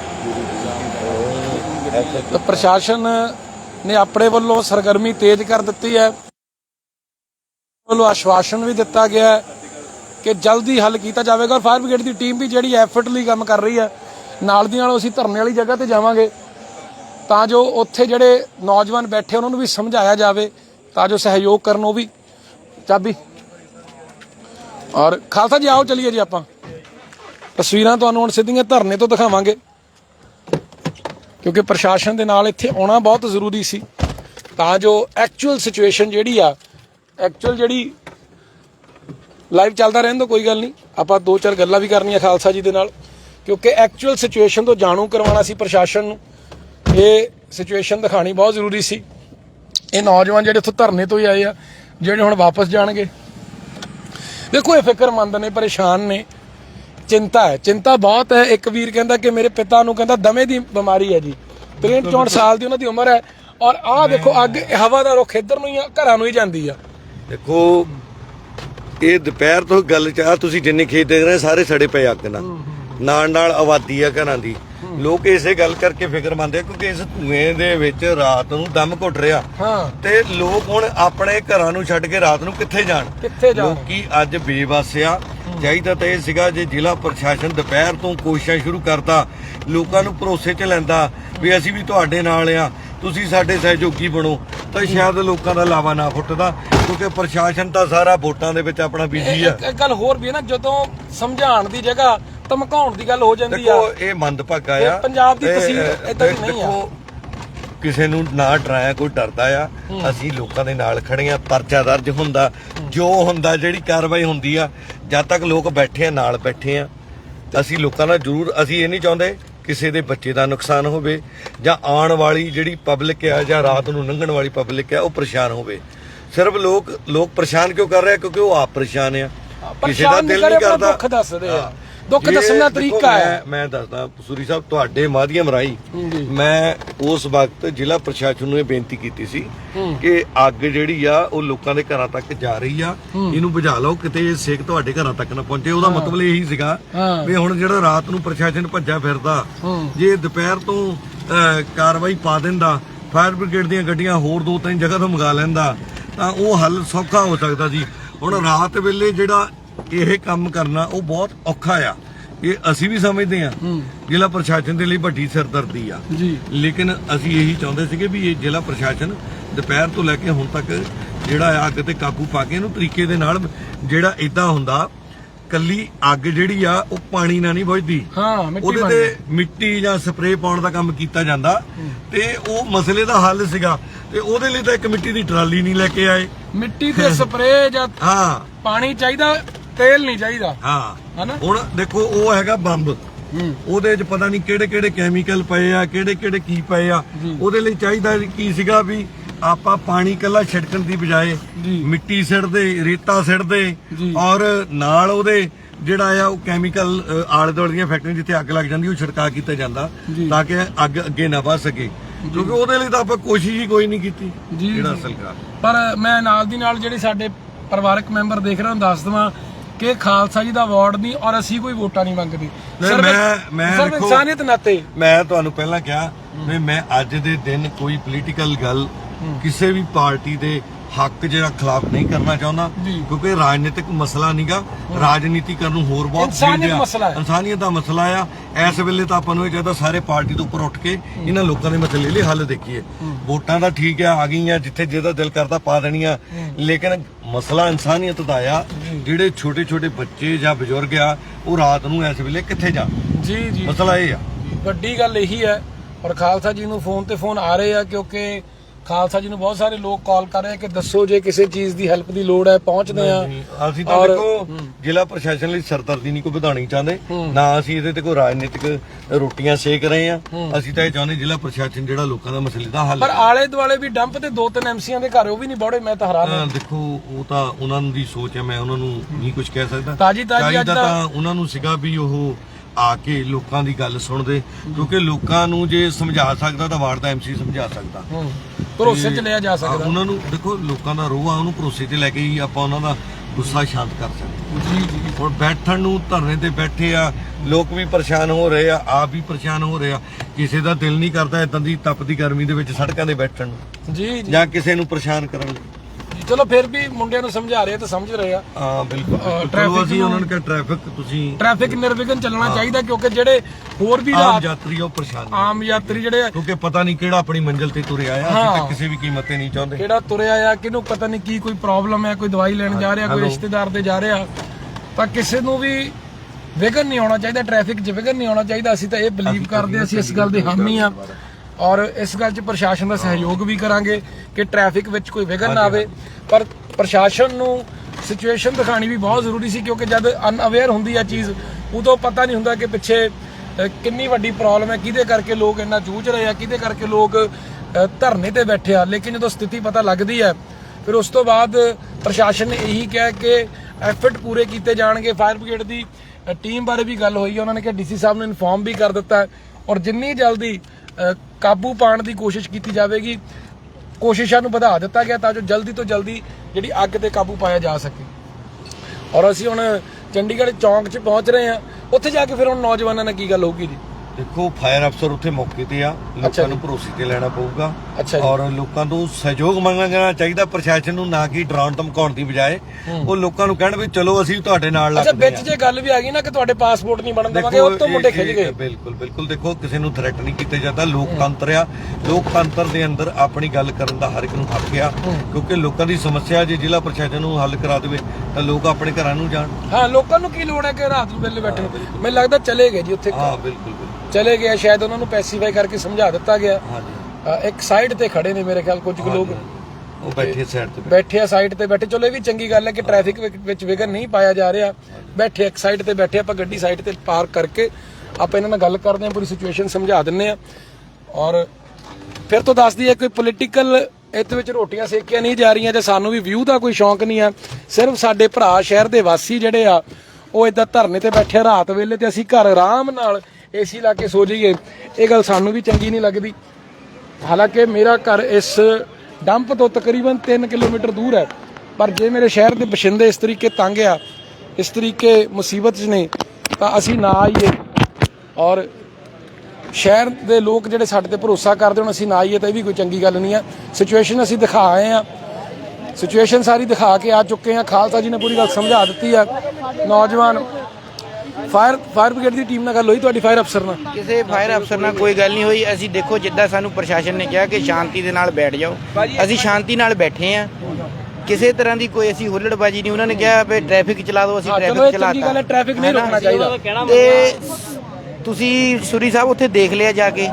Speaker 2: ਸਮਝਾਓ।
Speaker 1: ਤਾਂ ਪ੍ਰਸ਼ਾਸਨ ਨੇ ਆਪਣੇ ਵੱਲੋਂ ਸਰਗਰਮੀ ਤੇਜ਼ ਕਰ ਦਿੱਤੀ ਹੈ, ਵੱਲੋਂ ਆਸ਼ਵਾਸਨ ਵੀ ਦਿੱਤਾ ਗਿਆ ਹੈ ਕਿ ਜਲਦੀ ਹੱਲ ਕੀਤਾ ਜਾਵੇਗਾ। ਔਰ ਫਾਇਰ ਬ੍ਰਿਗੇਡ ਦੀ ਟੀਮ ਵੀ ਜਿਹੜੀ ਐਫਰਟਲੀ ਕੰਮ ਕਰ ਰਹੀ ਹੈ। ਨਾਲ ਦੀ ਨਾਲ ਅਸੀਂ ਧਰਨੇ ਵਾਲੀ ਜਗ੍ਹਾ ਤੇ ਜਾਵਾਂਗੇ ਤਾਂ ਜੋ ਉੱਥੇ ਜਿਹੜੇ ਨੌਜਵਾਨ ਬੈਠੇ ਉਹਨਾਂ ਨੂੰ ਵੀ ਸਮਝਾਇਆ ਜਾਵੇ, ਤਾਂ ਜੋ ਸਹਿਯੋਗ ਕਰਨ ਉਹ ਵੀ। ਚਾਬੀ ਔਰ ਖਾਲਸਾ ਜੀ ਆਓ ਚਲੀਏ ਜੀ, ਆਪਾਂ ਤਸਵੀਰਾਂ ਤੁਹਾਨੂੰ ਹੁਣ ਸਿੱਧੀਆਂ ਧਰਨੇ ਤੋਂ ਦਿਖਾਵਾਂਗੇ, ਕਿਉਂਕਿ ਪ੍ਰਸ਼ਾਸਨ ਦੇ ਨਾਲ ਇੱਥੇ ਆਉਣਾ ਬਹੁਤ ਜ਼ਰੂਰੀ ਸੀ, ਤਾਂ ਜੋ ਐਕਚੁਅਲ ਸਿਚੁਏਸ਼ਨ ਜਿਹੜੀ ਆ, ਐਕਚੁਅਲ ਜਿਹੜੀ ਲਾਈਵ ਚੱਲਦਾ ਰਹਿਣ ਤੋਂ ਕੋਈ ਗੱਲ ਨਹੀਂ, ਆਪਾਂ ਦੋ ਚਾਰ ਗੱਲਾਂ ਵੀ ਕਰਨੀਆਂ ਖਾਲਸਾ ਜੀ ਦੇ ਨਾਲ, ਕਿਉਂਕਿ ਐਕਚੁਅਲ ਸਿਚੁਏਸ਼ਨ ਤੋਂ ਜਾਣੂ ਕਰਵਾਉਣਾ ਸੀ ਪ੍ਰਸ਼ਾਸਨ ਨੂੰ। ਇਹ ਸਿਚੁਏਸ਼ਨ ਦਿਖਾਣੀ ਬਹੁਤ ਜ਼ਰੂਰੀ ਸੀ। ਇਹ ਨੌਜਵਾਨ ਜਿਹੜੇ ਇੱਥੋਂ ਧਰਨੇ ਤੋਂ ਹੀ ਆਏ ਆ, ਜਿਹੜੇ ਹੁਣ ਵਾਪਸ ਜਾਣਗੇ, ਦੇਖੋ ਇਹ ਫਿਕਰਮੰਦ ਨੇ, ਪਰੇਸ਼ਾਨ ਨੇ, ਚਿੰਤਾ ਹੈ, ਚਿੰਤਾ ਬਹੁਤ ਹੈ। ਇੱਕ ਵੀਰ ਕਹਿੰਦਾ ਕਿ ਮੇਰੇ ਪਿਤਾ ਨੂੰ ਕਹਿੰਦਾ ਦਮੇ ਦੀ ਬਿਮਾਰੀ ਹੈ ਜੀ, ਤਰੇਂਹਠ ਚੌਂਹਠ ਸਾਲ ਦੀ ਉਹਨਾਂ ਦੀ ਉਮਰ ਹੈ, ਔਰ ਆਹ ਦੇਖੋ ਅੱਗ ਹਵਾ ਦਾ ਰੁੱਖ ਇੱਧਰ ਨੂੰ ਹੀ ਆ, ਘਰਾਂ ਨੂੰ ਹੀ ਜਾਂਦੀ ਆ।
Speaker 2: ਦੇਖੋ ਇਹ ਦੁਪਹਿਰ ਤੋਂ ਗੱਲ ਚਾਹ, ਤੁਸੀਂ ਜਿੰਨੇ ਖੇਤ ਦੇਖ ਰਹੇ ਸਾਰੇ ਸੜੇ ਪਏ ਅੱਗ ਨਾਲ, ਨਾਲ ਨਾਲ ਆਬਾਦੀ ਆ ਘਰਾਂ ਦੀ। ਲੋਕ ਇਸੇ ਗੱਲ ਕਰਕੇ ਫਿਕਰਮੰਦ ਆ ਕਿਉਂਕਿ ਇਸ ਧੂਏ ਦੇ ਵਿੱਚ ਰਾਤ ਨੂੰ ਦਮ ਘੁੱਟ ਰਿਹਾ, ਤੇ ਲੋਕ ਹੁਣ ਆਪਣੇ ਘਰਾਂ ਨੂੰ ਛੱਡ ਕੇ ਰਾਤ ਨੂੰ ਕਿੱਥੇ ਜਾਣ,
Speaker 1: ਕਿੱਥੇ ਜਾਣ।
Speaker 2: ਲੋਕੀ ਅੱਜ ਬੇਵੱਸ ਆ। ਚਾਹੀਦਾ ਤਾਂ ਇਹ ਸੀਗਾ ਜੇ ਜ਼ਿਲ੍ਹਾ ਪ੍ਰਸ਼ਾਸਨ ਦੁਪਹਿਰ ਤੋਂ ਕੋਸ਼ਿਸ਼ਾਂ ਸ਼ੁਰੂ ਕਰਦਾ, ਲੋਕਾਂ ਨੂੰ ਭਰੋਸੇ 'ਚ ਲੈਂਦਾ ਵੀ ਅਸੀਂ ਵੀ ਤੁਹਾਡੇ ਨਾਲ ਆ, ਤੁਸੀਂ ਸਾਡੇ ਸਹਿਯੋਗੀ ਬਣੋ, ਤਾਂ ਸ਼ਾਇਦ ਲੋਕਾਂ ਦਾ ਲਾਵਾ ਨਾ ਫੁੱਟਦਾ। ਕਿਉਂਕਿ ਪ੍ਰਸ਼ਾਸਨ ਤਾਂ ਸਾਰਾ ਵੋਟਾਂ ਦੇ ਵਿੱਚ ਆਪਣਾ ਬਿਜ਼ੀ ਆ।
Speaker 1: ਇੱਕ ਗੱਲ ਹੋਰ ਵੀ ਹੈ ਨਾ, ਜਦੋਂ ਸਮਝਾਉਣ ਦੀ ਜਗ੍ਹਾ ਧਮਕਾਉਣ ਦੀ ਗੱਲ ਹੋ ਜਾਂਦੀ ਆ।
Speaker 2: ਦੇਖੋ ਇਹ ਮੰਦਭਾਗਾ ਆ,
Speaker 1: ਪੰਜਾਬ ਦੀ ਤਸਵੀਰ ਏਦਾਂ ਦੀ ਨਹੀਂ ਆ।
Speaker 2: ਕਿਸੇ ਨੂੰ ਨਾ ਡਰਾਇਆ, ਕੋਈ ਡਰਦਾ ਆ। ਅਸੀਂ ਲੋਕਾਂ ਦੇ ਨਾਲ ਖੜੇ ਆ, ਪਰਚਾ ਦਰਜ ਹੁੰਦਾ, ਜੋ ਹੁੰਦਾ ਜਿਹੜੀ ਕਾਰਵਾਈ ਹੁੰਦੀ ਆ, ਜਦ ਤੱਕ ਲੋਕ ਬੈਠੇ ਆ ਨਾਲ ਬੈਠੇ ਆ। ਅਸੀਂ ਲੋਕਾਂ ਨਾਲ ਜ਼ਰੂਰ, ਅਸੀਂ ਇਹ ਨਹੀਂ ਚਾਹੁੰਦੇ ਕਿਸੇ ਦੇ ਬੱਚੇ ਦਾ ਨੁਕਸਾਨ ਹੋਵੇ, ਜਾਂ ਆਉਣ ਵਾਲੀ ਜਿਹੜੀ ਪਬਲਿਕ ਆ ਜਾਂ ਰਾਤ ਨੂੰ ਲੰਘਣ ਵਾਲੀ ਪਬਲਿਕ ਆ ਉਹ ਪਰੇਸ਼ਾਨ ਹੋਵੇ। ਸਿਰਫ ਲੋਕ ਲੋਕ ਪਰੇਸ਼ਾਨ ਕਿਉਂ ਕਰ ਰਹੇ? ਕਿਉਂਕਿ ਉਹ ਆਪ ਪਰੇਸ਼ਾਨ ਆ, ਕਿਸੇ ਦਾ ਦਿਲ ਨਹੀਂ ਕਰਦਾ।
Speaker 1: ਦੁੱਖ ਦੱਸਦੇ ਆ, ਦੁੱਖ ਦੱਸਣ ਦਾ ਤਰੀਕਾ ਹੈ।
Speaker 2: ਮੈਂ ਦੱਸਦਾ ਸੂਰੀ ਸਾਹਿਬ, ਤੁਹਾਡੇ ਮਾਧਿਅਮ ਰਾਹੀਂ ਮੈਂ ਉਸ ਵਕਤ ਜ਼ਿਲ੍ਹਾ ਪ੍ਰਸ਼ਾਸਨ ਨੂੰ ਇਹ ਬੇਨਤੀ ਕੀਤੀ ਸੀ ਕਿ ਅੱਗ ਜਿਹੜੀ ਆ ਉਹ ਲੋਕਾਂ ਦੇ ਘਰਾਂ ਤੱਕ ਜਾ ਰਹੀ ਆ, ਇਹਨੂੰ ਬੁਝਾ ਲਓ, ਕਿਤੇ ਇਹ ਸੇਕ ਤੁਹਾਡੇ ਘਰਾਂ ਤੱਕ ਨਾ ਪਹੁੰਚੇ। ਉਹਦਾ ਮਤਲਬ ਇਹੀ ਸੀਗਾ ਵੀ ਹੁਣ ਜਿਹੜਾ ਰਾਤ ਨੂੰ ਪ੍ਰਸ਼ਾਸਨ ਭੱਜਾ ਫਿਰਦਾ, ਜੇ ਦੁਪਹਿਰ ਤੋਂ ਕਾਰਵਾਈ ਪਾ ਦਿੰਦਾ, ਫਾਇਰ ਬ੍ਰਿਗੇਡ ਦੀਆਂ ਗੱਡੀਆਂ ਹੋਰ ਦੋ ਤਿੰਨ ਜਗ੍ਹਾ ਤੋਂ ਮੰਗਾ ਲੈਂਦਾ, ਤਾਂ ਉਹ ਹੱਲ ਸੌਖਾ ਹੋ ਸਕਦਾ ਸੀ। ਹੁਣ ਰਾਤ ਵੇਲੇ ਜਿਹੜਾ ਇਹ ਕੰਮ ਕਰਨਾ ਉਹ ਬਹੁਤ ਔਖਾ ਆ, ਇਹ ਅਸੀਂ ਵੀ ਸਮਝਦੇ ਆ। ਜ਼ਿਲ੍ਹਾ ਪ੍ਰਸ਼ਾਸਨ ਦੇ ਲਈ ਵੱਡੀ ਸਿਰਦਰਦੀ ਆ, ਲੇਕਿਨ ਅਸੀਂ ਇਹੀ ਚਾਹੁੰਦੇ ਸੀਗੇ ਵੀ ਇਹ ਜ਼ਿਲ੍ਹਾ ਪ੍ਰਸ਼ਾਸਨ ਦੁਪਹਿਰ ਤੋਂ ਲੈ ਕੇ ਹੁਣ ਤੱਕ ਜਿਹੜਾ ਅੱਗ ਤੇ ਕਾਬੂ ਪਾ ਕੇ ਇਹਨੂੰ ਤਰੀਕੇ ਦੇ ਨਾਲ, ਜਿਹੜਾ ਇਦਾਂ ਹੁੰਦਾ ਕੱਲੀ ਅੱਗ ਜਿਹੜੀ ਆ ਉਹ ਪਾਣੀ ਨਾਲ ਨਹੀਂ ਬੁਝਦੀ, ਉਹਦੇ ਤੇ ਮਿੱਟੀ ਜਾਂ ਸਪਰੇਅ ਪਾਉਣ ਦਾ ਕੰਮ ਕੀਤਾ ਜਾਂਦਾ, ਤੇ ਉਹ ਮਸਲੇ ਦਾ ਹੱਲ ਸੀਗਾ। ਤੇ ਉਹਦੇ ਲਈ ਤਾਂ ਇੱਕ ਮਿੱਟੀ ਦੀ ਟਰਾਲੀ ਨਹੀਂ ਲੈ ਕੇ ਆਏ।
Speaker 1: ਮਿੱਟੀ ਤੇ ਸਪਰੇਅ ਜਾਂ
Speaker 2: ਹਾਂ
Speaker 1: ਪਾਣੀ ਚਾਹੀਦਾ, ਤੇਲ ਨਹੀਂ ਚਾਹੀਦਾ।
Speaker 2: ਹਾਂ ਹੁਣ ਦੇਖੋ ਉਹ ਹੈਗਾ ਬੰਬ, ਉਹਦੇ 'ਚ ਪਤਾ ਨਹੀਂ ਕਿਹੜੇ ਕਿਹੜੇ ਕੈਮੀਕਲ ਪਏ ਆ, ਕਿਹੜੇ ਕਿਹੜੇ ਕੀ ਪਏ ਆ। ਉਹਦੇ ਲਈ ਚਾਹੀਦਾ ਕੀ ਸੀਗਾ ਵੀ ਆਪਾਂ ਪਾਣੀ ਕੱਲਾ ਛਿੜਕਣ ਦੀ ਬਜਾਏ ਮਿੱਟੀ ਸਿੱਟਦੇ, ਰੇਤਾ ਸਿੱਟਦੇ, ਔਰ ਨਾਲ ਉਹਦੇ ਜਿਹੜਾ ਆ ਉਹ ਕੈਮੀਕਲ ਆਲੇ ਦੁਆਲੇ ਦੀਆਂ ਫੈਕਟਰੀਆਂ ਜਿੱਥੇ ਅੱਗ ਲੱਗ ਜਾਂਦੀ ਉਹ ਛਿੜਕਾ ਕੀਤਾ ਜਾਂਦਾ ਤਾਂ ਕਿ ਅੱਗ ਅੱਗੇ ਨਾ ਵੱਧ ਸਕੇ। ਕਿਉਂਕਿ ਉਹਦੇ ਲਈ ਤਾਂ ਆਪਾਂ ਕੋਸ਼ਿਸ਼ ਹੀ ਕੋਈ ਨਹੀਂ ਕੀਤੀ ਜਿਹੜਾ ਅਸਲ ਕਰ।
Speaker 1: ਪਰ ਮੈਂ ਨਾਲ ਦੀ ਨਾਲ ਜਿਹੜੇ ਸਾਡੇ ਪਰਿਵਾਰਕ ਮੈਂਬਰ ਦੇਖ ਰਹੇ ਹਾਂ ਦੱਸ ਦਵਾਂ ਕਿ ਖਾਲਸਾ ਜੀ ਦਾ ਅਵਾਰਡ ਨਹੀਂ, ਔਰ ਅਸੀਂ ਕੋਈ ਵੋਟਾਂ ਨਹੀਂ ਮੰਗਦੇ।
Speaker 2: ਮੈਂ ਮੈਂ
Speaker 1: ਸਿਰਫ ਇਨਸਾਨੀਅਤ ਨਾਤੇ
Speaker 2: ਮੈਂ ਤੁਹਾਨੂੰ ਪਹਿਲਾਂ ਕਿਹਾ ਵੀ ਮੈਂ ਅੱਜ ਦੇ ਦਿਨ ਕੋਈ ਪੋਲੀਟੀਕਲ ਗੱਲ ਕਿਸੇ ਵੀ ਪਾਰਟੀ ਦੇ ਹੱਕ ਜਿਹੜਾ ਖਿਲਾਫ ਨਹੀਂ ਕਰਨਾ ਚਾਹੁੰਦਾ, ਕਿਉਂਕਿ ਰਾਜਨੀਤਿਕ ਮਸਲਾ ਨਹੀਂਗਾ, ਰਾਜਨੀਤੀ ਕਰਨ ਨੂੰ ਹੋਰ ਬਹੁਤ ਇਨਸਾਨੀਅਤ ਦਾ ਮਸਲਾ ਆ। ਇਸ ਵੇਲੇ ਤਾਂ ਆਪਾਂ ਨੂੰ ਇਹ ਚਾਹੀਦਾ ਸਾਰੇ ਪਾਰਟੀ ਤੋਂ ਉੱਪਰ ਉੱਠ ਕੇ ਇਹਨਾਂ ਲੋਕਾਂ ਦੇ ਮਸਲੇ ਲਈ ਹੱਲ ਦੇਖੀਏ। ਵੋਟਾਂ ਤਾਂ ਠੀਕ ਆ, ਆ ਗਈਆਂ, ਜਿੱਥੇ ਜਿਹਦਾ ਦਿਲ ਕਰਦਾ ਪਾ ਦੇਣੀਆਂ, ਲੇਕਿਨ ਮਸਲਾ ਇਨਸਾਨੀਅਤ ਦਾ ਆ। ਜਿਹੜੇ ਛੋਟੇ ਛੋਟੇ ਬੱਚੇ ਜਾਂ ਬਜ਼ੁਰਗ ਆ ਉਹ ਰਾਤ ਨੂੰ ਇਸ ਵੇਲੇ ਕਿੱਥੇ ਜਾਣ? ਜੀ ਜੀ ਮਸਲਾ ਇਹ ਆ,
Speaker 1: ਵੱਡੀ ਗੱਲ ਇਹੀ ਹੈ। ਔਰ ਖਾਲਸਾ ਜੀ ਨੂੰ ਫੋਨ ਤੇ ਫੋਨ ਆ ਰਹੇ ਆ, ਕਿਉਂਕਿ ਖਾਲਸਾ ਜੀ ਨੂੰ ਬਹੁਤ ਸਾਰੇ ਲੋਕ ਕਾਲ ਕਰ ਰਹੇ ਕਿ ਦੱਸੋ ਜੇ ਕਿਸੇ ਚੀਜ਼ ਦੀ ਹੈਲਪ ਦੀ ਲੋੜ ਹੈ ਪਹੁੰਚਦੇ ਆ।
Speaker 2: ਅਸੀਂ ਤਾਂ ਦੇਖੋ ਜ਼ਿਲ੍ਹਾ ਪ੍ਰਸ਼ਾਸਨ ਲਈ ਸਰਦਰਦੀ ਨਹੀਂ ਕੋਈ ਵਧਾਉਣੀ ਚਾਹੁੰਦੇ, ਨਾ ਅਸੀਂ ਇਹਦੇ ਤੇ ਕੋਈ ਰਾਜਨੀਤਿਕ ਰੋਟੀਆਂ ਸੇਕ ਰਹੇ ਆ। ਅਸੀਂ ਤਾਂ ਇਹ ਚਾਹੁੰਦੇ ਜ਼ਿਲ੍ਹਾ ਪ੍ਰਸ਼ਾਸਨ ਜਿਹੜਾ ਲੋਕਾਂ ਦਾ ਮਸਲੇ ਦਾ ਹੱਲ।
Speaker 1: ਪਰ ਆਲੇ ਦੁਆਲੇ ਵੀ ਡੰਪ ਤੇ ਦੋ ਤਿੰਨ ਐਮਸੀਆਂ ਦੇ ਘਰ ਉਹ ਵੀ ਨਹੀਂ ਬੜੇ, ਮੈਂ ਤਾਂ ਹੈਰਾਨ ਹਾਂ।
Speaker 2: ਦੇਖੋ ਉਹ ਤਾਂ ਉਹਨਾਂ ਦੀ ਸੋਚ ਹੈ, ਮੈਂ ਉਹਨਾਂ ਨੂੰ ਨਹੀਂ ਕੁਝ ਕਹਿ ਸਕਦਾ।
Speaker 1: ਤਾਜੀ ਤਾਜੀ ਅੱਜ
Speaker 2: ਚਾਹੀਦਾ ਤਾਂ ਉਹਨਾਂ ਨੂੰ ਸੀਗਾ ਵੀ ਉਹ ਆ ਕੇ ਲੋਕਾਂ ਦੀ ਗੱਲ ਸੁਣਦੇ, ਕਿਉਂਕਿ ਲੋਕਾਂ ਨੂੰ ਜੇ ਸਮਝਾ ਸਕਦਾ ਤਾਂ ਵਾਰਡ ਦਾ ਐਮਸੀ ਸਮਝਾ ਸਕਦਾ,
Speaker 1: ਭਰੋਸੇ 'ਚ ਲਿਆ ਜਾ ਸਕਦਾ।
Speaker 2: ਉਹਨਾਂ ਨੂੰ ਦੇਖੋ ਲੋਕਾਂ ਦਾ ਰੋਹ ਆ, ਉਹਨੂੰ ਭਰੋਸੇ ਤੇ ਲੈ ਕੇ ਹੀ ਆਪਾਂ ਉਹਨਾਂ ਦਾ ਗੁੱਸਾ ਸ਼ਾਂਤ ਕਰ ਸਕਦੇ।
Speaker 1: ਜੀ ਜੀ
Speaker 2: ਹੁਣ ਬੈਠਣ ਨੂੰ ਧਰਨੇ ਤੇ ਬੈਠੇ ਆ ਲੋਕ, ਵੀ ਪਰੇਸ਼ਾਨ ਹੋ ਰਹੇ ਆ, ਆਪ ਵੀ ਪਰੇਸ਼ਾਨ ਹੋ ਰਹੇ ਆ। ਕਿਸੇ ਦਾ ਦਿਲ ਨਹੀਂ ਕਰਦਾ ਇਦਾਂ ਦੀ ਤਪਦੀ ਗਰਮੀ ਦੇ ਵਿੱਚ ਸੜਕਾਂ ਤੇ ਬੈਠਣ ਨੂੰ
Speaker 1: ਜੀ ਜੀ।
Speaker 2: ਜਾਂ ਕਿਸੇ ਨੂੰ ਪਰੇਸ਼ਾਨ ਕਰਨ ਨੂੰ।
Speaker 1: ਚਲੋ ਫਿਰ ਵੀ ਮੁੰਡਿਆਂ ਨੂੰ ਸਮਝਾ ਰਹੇ ਤਾਂ ਸਮਝ ਰਹੇ ਆ।
Speaker 2: ਹਾਂ ਬਿਲਕੁਲ, ਚਲੋ ਅਸੀਂ ਉਹਨਾਂ ਨੂੰ ਕਿਹਾ ਟ੍ਰੈਫਿਕ ਤੁਸੀਂ
Speaker 1: ਟ੍ਰੈਫਿਕ ਨਿਰਵਿਘਨ ਚੱਲਣਾ ਚਾਹੀਦਾ, ਕਿਉਂਕਿ ਜਿਹੜੇ ਹੋਰ ਵੀ
Speaker 2: ਆਮ
Speaker 1: ਰਾਤ
Speaker 2: ਯਾਤਰੀ ਉਹ ਪਰੇਸ਼ਾਨ ਨੇ।
Speaker 1: ਆਮ ਯਾਤਰੀ ਜਿਹੜੇ
Speaker 2: ਕਿਉਂਕਿ ਪਤਾ ਨਹੀਂ ਕਿਹੜਾ ਆਪਣੀ ਮੰਜ਼ਿਲ ਤੇ ਤੁਰਿਆ ਆ, ਅਸੀਂ ਤਾਂ ਕਿਸੇ ਵੀ ਕੀਮਤ ਤੇ ਨਹੀਂ ਚਾਹੁੰਦੇ।
Speaker 1: ਕਿਹੜਾ ਤੁਰਿਆ ਆ, ਕਿਹਨੂੰ ਪਤਾ ਨਹੀਂ ਕੀ ਕੋਈ ਪ੍ਰੋਬਲਮ ਹੈ, ਕੋਈ ਦਵਾਈ ਲੈਣ ਜਾ ਰਿਹਾ, ਕੋਈ ਰਿਸ਼ਤੇਦਾਰ ਦੇ ਜਾ ਰਿਹਾ, ਤਾਂ ਕਿਸੇ ਨੂੰ ਵੀ ਵਿਘਨ ਨਹੀਂ ਆਉਣਾ ਚਾਹੀਦਾ, ਟ੍ਰੈਫਿਕ 'ਚ ਵਿਘਨ ਨਹੀਂ ਆਉਣਾ ਚਾਹੀਦਾ। ਅਸੀਂ ਤਾਂ ਇਹ ਬਲੀਵ ਕਰਦੇ, ਅਸੀਂ ਇਸ ਗੱਲ ਦੇ ਹਾਮੀ ਆ ਔਰ ਇਸ ਗੱਲ 'ਚ ਪ੍ਰਸ਼ਾਸਨ ਦਾ ਸਹਿਯੋਗ ਵੀ ਕਰਾਂਗੇ ਕਿ ਟ੍ਰੈਫਿਕ ਵਿੱਚ ਕੋਈ ਵਿਘਨ ਨਾ ਆਵੇ। ਪਰ ਪ੍ਰਸ਼ਾਸਨ ਨੂੰ ਸਿਚੁਏਸ਼ਨ ਦਿਖਾਣੀ ਵੀ ਬਹੁਤ ਜ਼ਰੂਰੀ ਸੀ, ਕਿਉਂਕਿ ਜਦ ਅਨਅਵੇਅਰ ਹੁੰਦੀ ਆ ਚੀਜ਼ ਉਦੋਂ ਪਤਾ ਨਹੀਂ ਹੁੰਦਾ ਕਿ ਪਿੱਛੇ ਕਿੰਨੀ ਵੱਡੀ ਪ੍ਰੋਬਲਮ ਹੈ, ਕਿਹਦੇ ਕਰਕੇ ਲੋਕ ਇੰਨਾ ਜੂਝ ਰਹੇ ਆ, ਕਿਹਦੇ ਕਰਕੇ ਲੋਕ ਧਰਨੇ ਤੇ ਬੈਠੇ ਆ। ਲੇਕਿਨ ਜਦੋਂ ਸਥਿਤੀ ਪਤਾ ਲੱਗਦੀ ਹੈ ਫਿਰ ਉਸ ਤੋਂ ਬਾਅਦ ਪ੍ਰਸ਼ਾਸਨ ਨੇ ਇਹੀ ਕਿਹਾ ਕਿ ਐਫਰਟ ਪੂਰੇ ਕੀਤੇ ਜਾਣਗੇ। ਫਾਇਰ ਬ੍ਰਿਗੇਡ ਦੀ ਟੀਮ ਬਾਰੇ ਵੀ ਗੱਲ ਹੋਈ ਹੈ, ਉਹਨਾਂ ਨੇ ਕਿ ਡੀਸੀ ਸਾਹਿਬ ਨੂੰ ਇਨਫੋਰਮ ਵੀ ਕਰ ਦਿੱਤਾ ਔਰ ਜਿੰਨੀ ਜਲਦੀ ਕਾਬੂ ਪਾਉਣ ਦੀ ਕੋਸ਼ਿਸ਼ ਕੀਤੀ ਜਾਵੇਗੀ। ਕੋਸ਼ਿਸ਼ਾਂ ਨੂੰ ਵਧਾ ਦਿੱਤਾ ਗਿਆ ਤਾਂ ਜੋ ਜਲਦੀ ਤੋਂ ਜਲਦੀ ਜਿਹੜੀ ਅੱਗ ਤੇ ਕਾਬੂ ਪਾਇਆ ਜਾ ਸਕੇ। ਔਰ ਅਸੀਂ ਹੁਣ ਚੰਡੀਗੜ੍ਹ ਚੌਂਕ 'ਚ ਪਹੁੰਚ ਰਹੇ ਹਾਂ, ਉੱਥੇ ਜਾ ਕੇ ਫਿਰ ਹੁਣ ਨੌਜਵਾਨਾਂ ਨਾਲ ਕੀ ਗੱਲ ਹੋਊਗੀ ਜੀ।
Speaker 2: ਦੇਖੋ ਫਾਇਰ ਅਫਸਰ ਉੱਥੇ ਮੌਕੇ ਤੇ ਆ, ਲੋਕਾਂ ਨੂੰ ਭਰੋਸੇ ਤੇ ਲੈਣਾ ਪਊਗਾ ਔਰ ਲੋਕਾਂ ਤੋਂ ਸਹਿਯੋਗ ਮੰਗਣਾ ਚਾਹੀਦਾ ਪ੍ਰਸ਼ਾਸਨ ਨੂੰ, ਨਾ ਕਿ ਡਰਾਉਣ ਧਮਕਾਉਣ ਦੀ ਬਜਾਏ ਉਹ ਲੋਕਾਂ ਨੂੰ ਕਹਿਣ ਵੀ ਚਲੋ ਅਸੀਂ ਤੁਹਾਡੇ ਨਾਲ ਲੱਗਦੇ
Speaker 1: ਹਾਂ। ਵਿੱਚ ਜੇ ਗੱਲ ਵੀ ਆ ਗਈ ਨਾ ਕਿ ਤੁਹਾਡੇ ਪਾਸਪੋਰਟ ਨਹੀਂ ਬਣਨ ਦੇਵਾਂਗੇ, ਉਹ ਤੋਂ ਮੁੰਡੇ ਖਿੱਚ ਗਏ।
Speaker 2: ਬਿਲਕੁਲ ਬਿਲਕੁਲ, ਦੇਖੋ ਕਿਸੇ ਨੂੰ ਥ੍ਰੈਟ ਨਹੀਂ ਕੀਤਾ ਜਾਂਦਾ, ਲੋਕਤੰਤਰ ਆ, ਲੋਕਤੰਤਰ ਦੇ ਅੰਦਰ ਆਪਣੀ ਗੱਲ ਕਰਨ ਦਾ ਹਰ ਇੱਕ ਨੂੰ ਹੱਕ ਆ, ਕਿਉਂਕਿ ਲੋਕਾਂ ਦੀ ਸਮੱਸਿਆ ਜੇ ਜ਼ਿਲ੍ਹਾ ਪ੍ਰਸ਼ਾਸਨ ਨੂੰ ਹੱਲ ਕਰਾ ਦੇਵੇ ਤਾਂ ਲੋਕ ਆਪਣੇ ਘਰਾਂ ਨੂੰ ਜਾਣ।
Speaker 1: ਹਾਂ, ਲੋਕਾਂ ਨੂੰ ਕੀ ਲੋੜ ਹੈ ਕਿ ਰਾਤ ਨੂੰ ਵੇਲੇ ਬੈਠਣ, ਮੈਨੂੰ ਲੱਗਦਾ ਚਲੇ ਗਏ ਜੀ ਉੱਥੇ।
Speaker 2: ਹਾਂ ਬਿਲਕੁਲ ਬਿਲਕੁਲ
Speaker 1: ਚਲੇ ਗਏ, ਸ਼ਾਇਦ ਉਹਨਾਂ ਨੂੰ ਪੈਸੀਫਾਈ ਕਰਕੇ ਸਮਝਾ ਦਿੱਤਾ ਗਿਆ। ਇੱਕ ਸਾਈਡ ਤੇ ਖੜੇ ਨੇ ਮੇਰੇ ਖਿਆਲ ਕੁਝ ਲੋਕ,
Speaker 2: ਉਹ ਬੈਠੇ ਸਾਈਡ ਤੇ
Speaker 1: ਬੈਠੇ ਆ, ਸਾਈਡ ਤੇ ਬੈਠੇ। ਚਲੋ ਇਹ ਵੀ ਚੰਗੀ ਗੱਲ ਹੈ ਕਿ ਟ੍ਰੈਫਿਕ ਵਿੱਚ ਵਿਘਨ ਨਹੀਂ ਪਾਇਆ ਜਾ ਰਿਹਾ, ਬੈਠੇ ਇੱਕ ਸਾਈਡ ਤੇ ਬੈਠੇ। ਆਪਾਂ ਗੱਡੀ ਸਾਈਡ ਤੇ ਪਾਰਕ ਕਰਕੇ ਆਪਾਂ ਇਹਨਾਂ ਨਾਲ ਗੱਲ ਕਰਦੇ ਹਾਂ, ਪੂਰੀ ਸਿਚੁਏਸ਼ਨ ਸਮਝਾ ਦਿੰਨੇ ਆ ਔਰ ਫਿਰ ਤੋਂ ਦੱਸ ਦਈਏ ਕੋਈ ਪੋਲੀਟੀਕਲ ਇਹਦੇ ਵਿੱਚ ਰੋਟੀਆਂ ਸੇਕੀਆਂ ਨਹੀਂ ਜਾ ਰਹੀਆਂ ਜਾਂ ਸਾਨੂੰ ਵੀ ਵਿਊ ਦਾ ਕੋਈ ਸ਼ੌਂਕ ਨਹੀਂ ਆ। ਸਿਰਫ ਸਾਡੇ ਭਰਾ ਸ਼ਹਿਰ ਦੇ ਵਾਸੀ ਜਿਹੜੇ ਆ ਉਹ ਇਦਾਂ ਧਰਨੇ ਤੇ ਬੈਠੇ ਰਾਤ ਵੇਲੇ ਤੇ ਅਸੀਂ ਘਰ ਆਰਾਮ ਨਾਲ ਏਸੀ ਲਾ ਕੇ ਸੋ ਜਾਈਏ, ਇਹ ਗੱਲ ਸਾਨੂੰ ਵੀ ਚੰਗੀ ਨਹੀਂ ਲੱਗਦੀ। ਹਾਲਾਂਕਿ ਮੇਰਾ ਘਰ ਇਸ ਡੰਪ ਤੋਂ ਤਕਰੀਬਨ ਤਿੰਨ ਕਿਲੋਮੀਟਰ ਦੂਰ ਹੈ, ਪਰ ਜੇ ਮੇਰੇ ਸ਼ਹਿਰ ਦੇ ਬਸ਼ਿੰਦੇ ਇਸ ਤਰੀਕੇ ਤੰਗ ਆ, ਇਸ ਤਰੀਕੇ ਮੁਸੀਬਤ 'ਚ ਨੇ ਤਾਂ ਅਸੀਂ ਨਾ ਆਈਏ ਔਰ ਸ਼ਹਿਰ ਦੇ ਲੋਕ ਜਿਹੜੇ ਸਾਡੇ ਤੇ ਭਰੋਸਾ ਕਰਦੇ ਹੁਣ ਅਸੀਂ ਨਾ ਆਈਏ ਤਾਂ ਇਹ ਵੀ ਕੋਈ ਚੰਗੀ ਗੱਲ ਨਹੀਂ ਆ। ਸਿਚੁਏਸ਼ਨ ਅਸੀਂ ਦਿਖਾ ਆਏ ਆ, ਸਿਚੁਏਸ਼ਨ ਸਾਰੀ ਦਿਖਾ ਕੇ ਆ ਚੁੱਕੇ ਆ। ਖਾਲਸਾ ਜੀ ਨੇ ਪੂਰੀ ਗੱਲ ਸਮਝਾ ਦਿੱਤੀ ਆ। ਨੌਜਵਾਨ ਫਾਇਰ ਫਾਇਰ ਬ੍ਰਿਗੇਡ ਦੀ ਟੀਮ ਨਾਲ ਗੱਲ ਹੋਈ ਤੁਹਾਡੀ ਫਾਇਰ ਅਫਸਰ ਨਾਲ?
Speaker 6: ਕਿਸੇ ਫਾਇਰ ਅਫਸਰ ਨਾਲ ਕੋਈ ਗੱਲ ਨਹੀਂ ਹੋਈ। ਅਸੀਂ ਦੇਖੋ ਜਿੱਦਾਂ ਸਾਨੂੰ ਪ੍ਰਸ਼ਾਸਨ ਨੇ ਕਿਹਾ ਕਿ ਸ਼ਾਂਤੀ ਦੇ ਨਾਲ ਬੈਠ ਜਾਓ, ਅਸੀਂ ਸ਼ਾਂਤੀ ਨਾਲ ਬੈਠੇ ਆ। ਕਿਸੇ ਤਰ੍ਹਾਂ ਦੀ ਕੋਈ ਅਸੀਂ ਹੁੱਲੜਬਾਜੀ ਨਹੀਂ। ਉਹਨਾਂ ਨੇ ਕਿਹਾ ਵੀ ਟ੍ਰੈਫਿਕ ਚਲਾ ਦਿਓ, ਅਸੀਂ ਟ੍ਰੈਫਿਕ ਚਲਾਤਾ।
Speaker 1: ਟ੍ਰੈਫਿਕ ਨਹੀਂ ਰੋਕਣਾ ਚਾਹੀਦਾ।
Speaker 6: ਤੇ ਤੁਸੀਂ ਸੁਰੀ ਸਾਹਿਬ ਉੱਥੇ ਦੇਖ ਲਿਆ ਜਾ ਕੇ,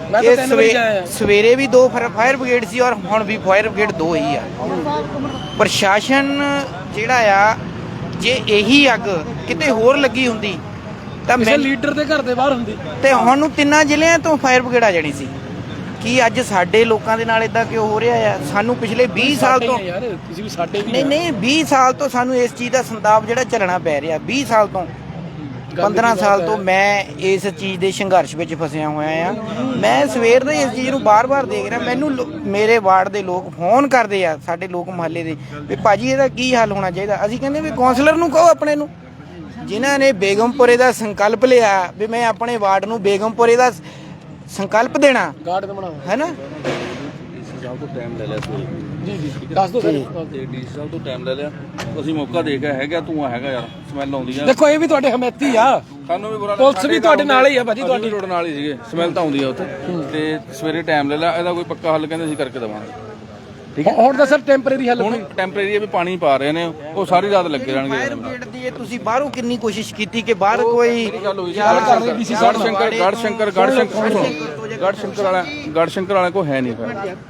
Speaker 6: ਸਵੇਰੇ ਵੀ ਦੋ ਫਾਇਰ ਬ੍ਰਿਗੇਡ ਸੀ ਔਰ ਹੁਣ ਵੀ ਫਾਇਰ ਬ੍ਰਿਗੇਡ ਦੋ ਹੀ ਆ। ਪ੍ਰਸ਼ਾਸਨ ਜਿਹੜਾ ਆ, ਜੇ ਇਹੀ ਅੱਗ ਕਿਤੇ ਹੋਰ ਲੱਗੀ ਹੁੰਦੀ ਤਾਂ
Speaker 1: ਕਿਸੇ ਲੀਡਰ ਦੇ ਘਰ ਦੇ ਬਾਹਰ ਹੁੰਦੀ
Speaker 6: ਤੇ ਹੁਣ ਨੂੰ ਤਿੰਨਾਂ ਜ਼ਿਲ੍ਹਿਆਂ ਤੋਂ ਫਾਇਰ ਬ੍ਰਿਗੇਡ ਆ ਜਾਣੀ ਸੀ। ਕੀ ਅੱਜ ਸਾਡੇ ਲੋਕਾਂ ਦੇ ਨਾਲ ਇਦਾਂ ਕਿਉਂ ਹੋ ਰਿਹਾ ਆ? ਸਾਨੂੰ ਪਿਛਲੇ ਵੀਹ ਸਾਲ ਤੋਂ
Speaker 1: ਯਾਰ ਤੁਸੀਂ ਵੀ ਸਾਡੇ ਵੀ
Speaker 6: ਨਹੀਂ ਨਹੀਂ ਵੀਹ ਸਾਲ ਤੋਂ ਸਾਨੂੰ ਇਸ ਚੀਜ਼ ਦਾ ਸੰਤਾਪ ਜਿਹੜਾ ਝੱਲਣਾ ਪੈ ਰਿਹਾ। ਵੀਹ ਸਾਲ ਤੋਂ ਪੰਦਰਾਂ ਸਾਲ ਤੋਂ ਮੈਂ ਇਸ ਚੀਜ਼ ਦੇ ਸੰਘਰਸ਼ ਵਿੱਚ ਫਸਿਆ ਹੋਇਆ ਆ। ਮੈਂ ਸਵੇਰ ਦੇ ਇਸ ਚੀਜ਼ ਨੂੰ ਬਾਰ-ਬਾਰ ਦੇਖ ਰਿਹਾ। ਮੈਨੂੰ ਮੇਰੇ ਵਾਰਡ ਦੇ ਲੋਕ ਫੋਨ ਕਰਦੇ ਆ, ਸਾਡੇ ਲੋਕ ਮੁਹੱਲੇ ਦੇ, ਵੀ ਭਾਜੀ ਇਹਦਾ ਕੀ ਹੱਲ ਹੋਣਾ ਚਾਹੀਦਾ। ਅਸੀਂ ਕਹਿੰਦੇ ਵੀ ਕੌਂਸਲਰ ਨੂੰ ਕਹੋ ਆਪਣੇ ਨੂੰ, ਜਿਨ੍ਹਾਂ ਨੇ ਬੇਗਮਪੁਰੇ ਦਾ ਸੰਕਲਪ ਲਿਆ ਵੀ ਮੈਂ ਆਪਣੇ ਵਾਰਡ ਨੂੰ ਬੇਗਮਪੁਰੇ ਦਾ ਸੰਕਲਪ ਦੇਣਾ ਹੈ ਨਾ।
Speaker 7: ਸਾਹਿਬ ਤੋਂ ਟਾਈਮ ਲੈ ਲਿਆ ਸੀ
Speaker 1: ਜੀ ਜੀ ਦੱਸ ਦਿਓ ਸਰ।
Speaker 7: ਤੇ ਡੀ ਸਾਹਿਬ ਤੋਂ ਟਾਈਮ ਲੈ ਲਿਆ, ਅਸੀਂ ਮੌਕਾ ਦੇ ਕੇ ਹੈਗਾ ਧੂੰਆਂ ਹੈਗਾ ਯਾਰ, ਸਮੈਲ ਆਉਂਦੀ ਆ।
Speaker 1: ਦੇਖੋ ਇਹ ਵੀ ਤੁਹਾਡੇ ਹਮੈਤੀ ਆ,
Speaker 7: ਸਾਨੂੰ ਵੀ ਬੁਰਾ
Speaker 1: ਪੁਲਿਸ ਵੀ ਤੁਹਾਡੇ ਨਾਲ ਹੀ ਆ ਭਾਜੀ, ਤੁਹਾਡੀ
Speaker 7: ਰੋਡ ਨਾਲ ਹੀ ਸੀਗੇ, ਸਮੈਲ ਤਾਂ ਆਉਂਦੀ ਆ ਉੱਥੇ। ਤੇ ਸਵੇਰੇ ਟਾਈਮ ਲੈ ਲਿਆ, ਇਹਦਾ ਕੋਈ ਪੱਕਾ ਹੱਲ ਕਹਿੰਦੇ ਅਸੀਂ ਕਰਕੇ ਦੇਵਾਂਗੇ।
Speaker 1: ਠੀਕ ਹੈ, ਹੁਣ ਤਾਂ ਸਰ ਟੈਂਪਰੇਰੀ ਹੱਲ
Speaker 7: ਹੁਣ ਟੈਂਪਰੇਰੀ ਵੀ ਪਾਣੀ ਪਾ ਰਹੇ ਨੇ, ਉਹ ਸਾਰੀ ਰਾਤ ਲੱਗੇ ਰਹਿਣਗੇ।
Speaker 6: ਫਾਇਰ ਬ੍ਰਿਗੇਡ ਦੀ ਇਹ ਤੁਸੀਂ ਬਾਹਰੋਂ ਕਿੰਨੀ ਕੋਸ਼ਿਸ਼ ਕੀਤੀ ਕਿ ਬਾਹਰ ਕੋਈ
Speaker 7: ਗੱਲ ਹੋਈ ਸੀ ਗੜ ਸ਼ੰਕਰ ਗੜ ਸ਼ੰਕਰ ਗੜ ਸ਼ੰਕਰ ਗੜ ਸ਼ੰਕਰ ਵਾਲਾ ਗੜ ਸ਼ੰਕਰ ਵਾਲਾ ਕੋ ਹੈ ਨਹੀਂ।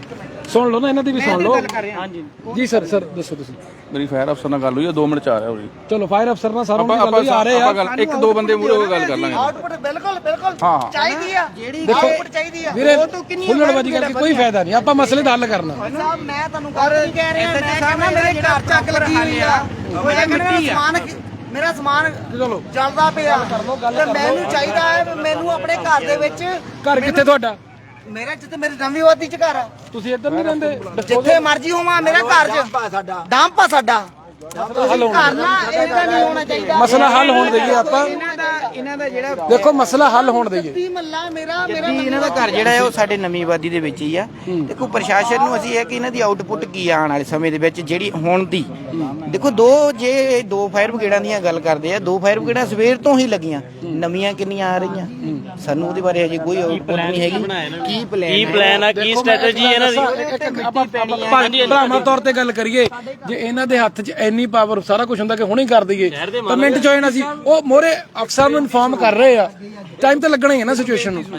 Speaker 1: ਸੁਣ ਲਓ ਨਾ ਇਹਨਾਂ ਦੀ ਵੀ ਸੁਣ ਲਓ ਹਾਂਜੀ ਜੀ ਸਰ ਸਰ ਦੱਸੋ ਤੁਸੀਂ
Speaker 7: ਮੇਰੀ ਫਾਇਰ ਅਫਸਰ ਨਾਲ ਗੱਲ ਹੋਈ ਆ ਦੋ ਮਿੰਟ ਚ ਆ ਰਿਹਾ ਉਰੇ
Speaker 1: ਚਲੋ ਫਾਇਰ ਅਫਸਰ ਨਾਲ ਸਾਰਾ
Speaker 7: ਆਪਾਂ
Speaker 1: ਉਹਨਾਂ ਦੀ ਗੱਲ ਹੋਈ, ਆ ਰਹੇ
Speaker 7: ਆਪਾਂ
Speaker 1: ਆ
Speaker 7: ਗੱਲ ਇੱਕ ਦੋ ਬੰਦੇ ਮੂਹਰੇ ਹੋ ਕੇ ਗੱਲ ਕਰ ਲਾਂਗੇ
Speaker 8: ਆਊਟਪੁੱਟ ਬਿਲਕੁਲ ਬਿਲਕੁਲ
Speaker 7: ਹਾਂ
Speaker 8: ਚਾਹੀਦੀ ਆ ਜਿਹੜੀ
Speaker 1: ਦੇਖੋ,
Speaker 8: ਆਊਟਪੁੱਟ ਚਾਹੀਦੀ ਆ
Speaker 1: ਵੀਰੇ ਹੁੱਲੜਬਾਜ਼ੀ ਕਰਕੇ ਕੋਈ ਫਾਇਦਾ ਨਹੀਂ, ਆਪਾਂ ਮਸਲੇ ਦਾ ਹੱਲ ਕਰਨਾ।
Speaker 8: ਸਾਹਿਬ ਮੈਂ ਤੁਹਾਨੂੰ ਗੱਲ ਨਹੀਂ ਕਹਿ ਰਿਹਾ ਮੈਂ ਕਹਿੰਦਾ ਮੇਰੇ ਘਰ ਚੱਕ ਲੱਗੀ ਹੋਈ ਆ ਮੈਂ ਕਹਿੰਦਾ ਸਮਾਨ ਮੇਰਾ ਸਮਾਨ ਜਲਦਾ ਪਿਆ ਤੇ ਮੈਨੂੰ ਚਾਹੀਦਾ ਹੈ ਵੀ ਮੈਨੂੰ ਆਪਣੇ ਘਰ ਦੇ ਵਿੱਚ
Speaker 1: ਘਰ ਕਿੱਥੇ ਤੁਹਾਡਾ?
Speaker 8: ਮੇਰੇ ਜਿੱਥੇ ਮੇਰੀ ਨਵੀਂ ਵਾਦੀ ਚ ਘਰ ਆ
Speaker 1: ਤੁਸੀਂ ਇੱਧਰ ਨਹੀਂ ਰਹਿੰਦੇ?
Speaker 8: ਜਿੱਥੇ ਮਰਜ਼ੀ ਹੋਵਾਂ ਮੇਰਾ ਘਰ ਚ ਡੰਪ ਆ ਸਾਡਾ ਘਰ ਨਾ ਇਹਦਾ ਨਹੀਂ ਹੋਣਾ ਚਾਹੀਦਾ
Speaker 1: ਮਸਲਾ ਹੱਲ ਹੋਣ ਦੇਈਏ ਆਪਾਂ,
Speaker 6: ਇਹਨਾਂ ਦਾ ਇਹਨਾਂ ਦਾ ਜਿਹੜਾ
Speaker 1: ਦੇਖੋ ਮਸਲਾ ਹੱਲ ਹੋਣ ਦੇਈਏ।
Speaker 8: ਜੱਦੀ ਮੱਲਾ ਮੇਰਾ ਮੇਰਾ
Speaker 6: ਜੱਦੀ ਇਹਨਾਂ ਦਾ ਘਰ ਜਿਹੜਾ ਹੈ ਉਹ ਸਾਡੇ ਨਵੀਂ ਆਬਾਦੀ ਦੇ ਵਿੱਚ ਹੀ ਆ। ਦੇਖੋ ਪ੍ਰਸ਼ਾਸਨ ਨੂੰ ਅਸੀਂ ਇਹ ਕਿ ਇਹਨਾਂ ਦੀ ਆਊਟਪੁੱਟ ਕੀ ਆਉਣ ਵਾਲੇ ਸਮੇਂ ਦੇ ਵਿੱਚ ਜਿਹੜੀ ਹੁਣ ਦੀ ਦੇਖੋ ਦੋ ਜੇ ਦੋ ਫਾਇਰ ਬ੍ਰਿਗੇਡਾਂ ਦੀਆਂ ਗੱਲ ਕਰਦੇ ਆ, ਦੋ ਫਾਇਰ ਬ੍ਰਿਗੇਡਾਂ ਸਵੇਰ ਤੋਂ ਹੀ ਲੱਗੀਆਂ, ਨਵੀਆਂ ਕਿੰਨੀਆਂ ਆ ਰਹੀਆਂ ਸਾਨੂੰ ਉਹਦੇ ਬਾਰੇ ਅਜੇ ਕੋਈ ਆਊਟਪੁੱਟ ਨਹੀਂ ਹੈਗੀ। ਕੀ ਪਲਾਨ ਕੀ ਪਲਾਨ ਆ ਕੀ ਸਟ੍ਰੈਟਜੀ ਹੈ ਇਹਨਾਂ ਦੀ?
Speaker 1: ਆਪਾਂ ਭਰਾਵਾਂ ਤੌਰ ਤੇ ਗੱਲ ਕਰੀਏ, ਜੇ ਇਹਨਾਂ ਦੇ ਹੱਥ 'ਚ ਇੰਨੀ ਪਾਵਰ ਸਾਰਾ ਕੁਝ ਹੁੰਦਾ ਕਿ ਹੁਣੇ ਕਰ ਦਈਏ ਤਾਂ ਮਿੰਟ 'ਚ ਹੋ ਜਾਣਾ ਸੀ। ਉਹ ਮੋਰੇ ਅਫਸਰ ਨੂੰ ਇਨਫਾਰਮ ਕਰ ਰਹੇ ਆ, ਟਾਈਮ ਤਾਂ ਲੱਗਣਾ ਹੀ ਹੈ ਨਾ ਸਿਚੁਏਸ਼ਨ ਨੂੰ।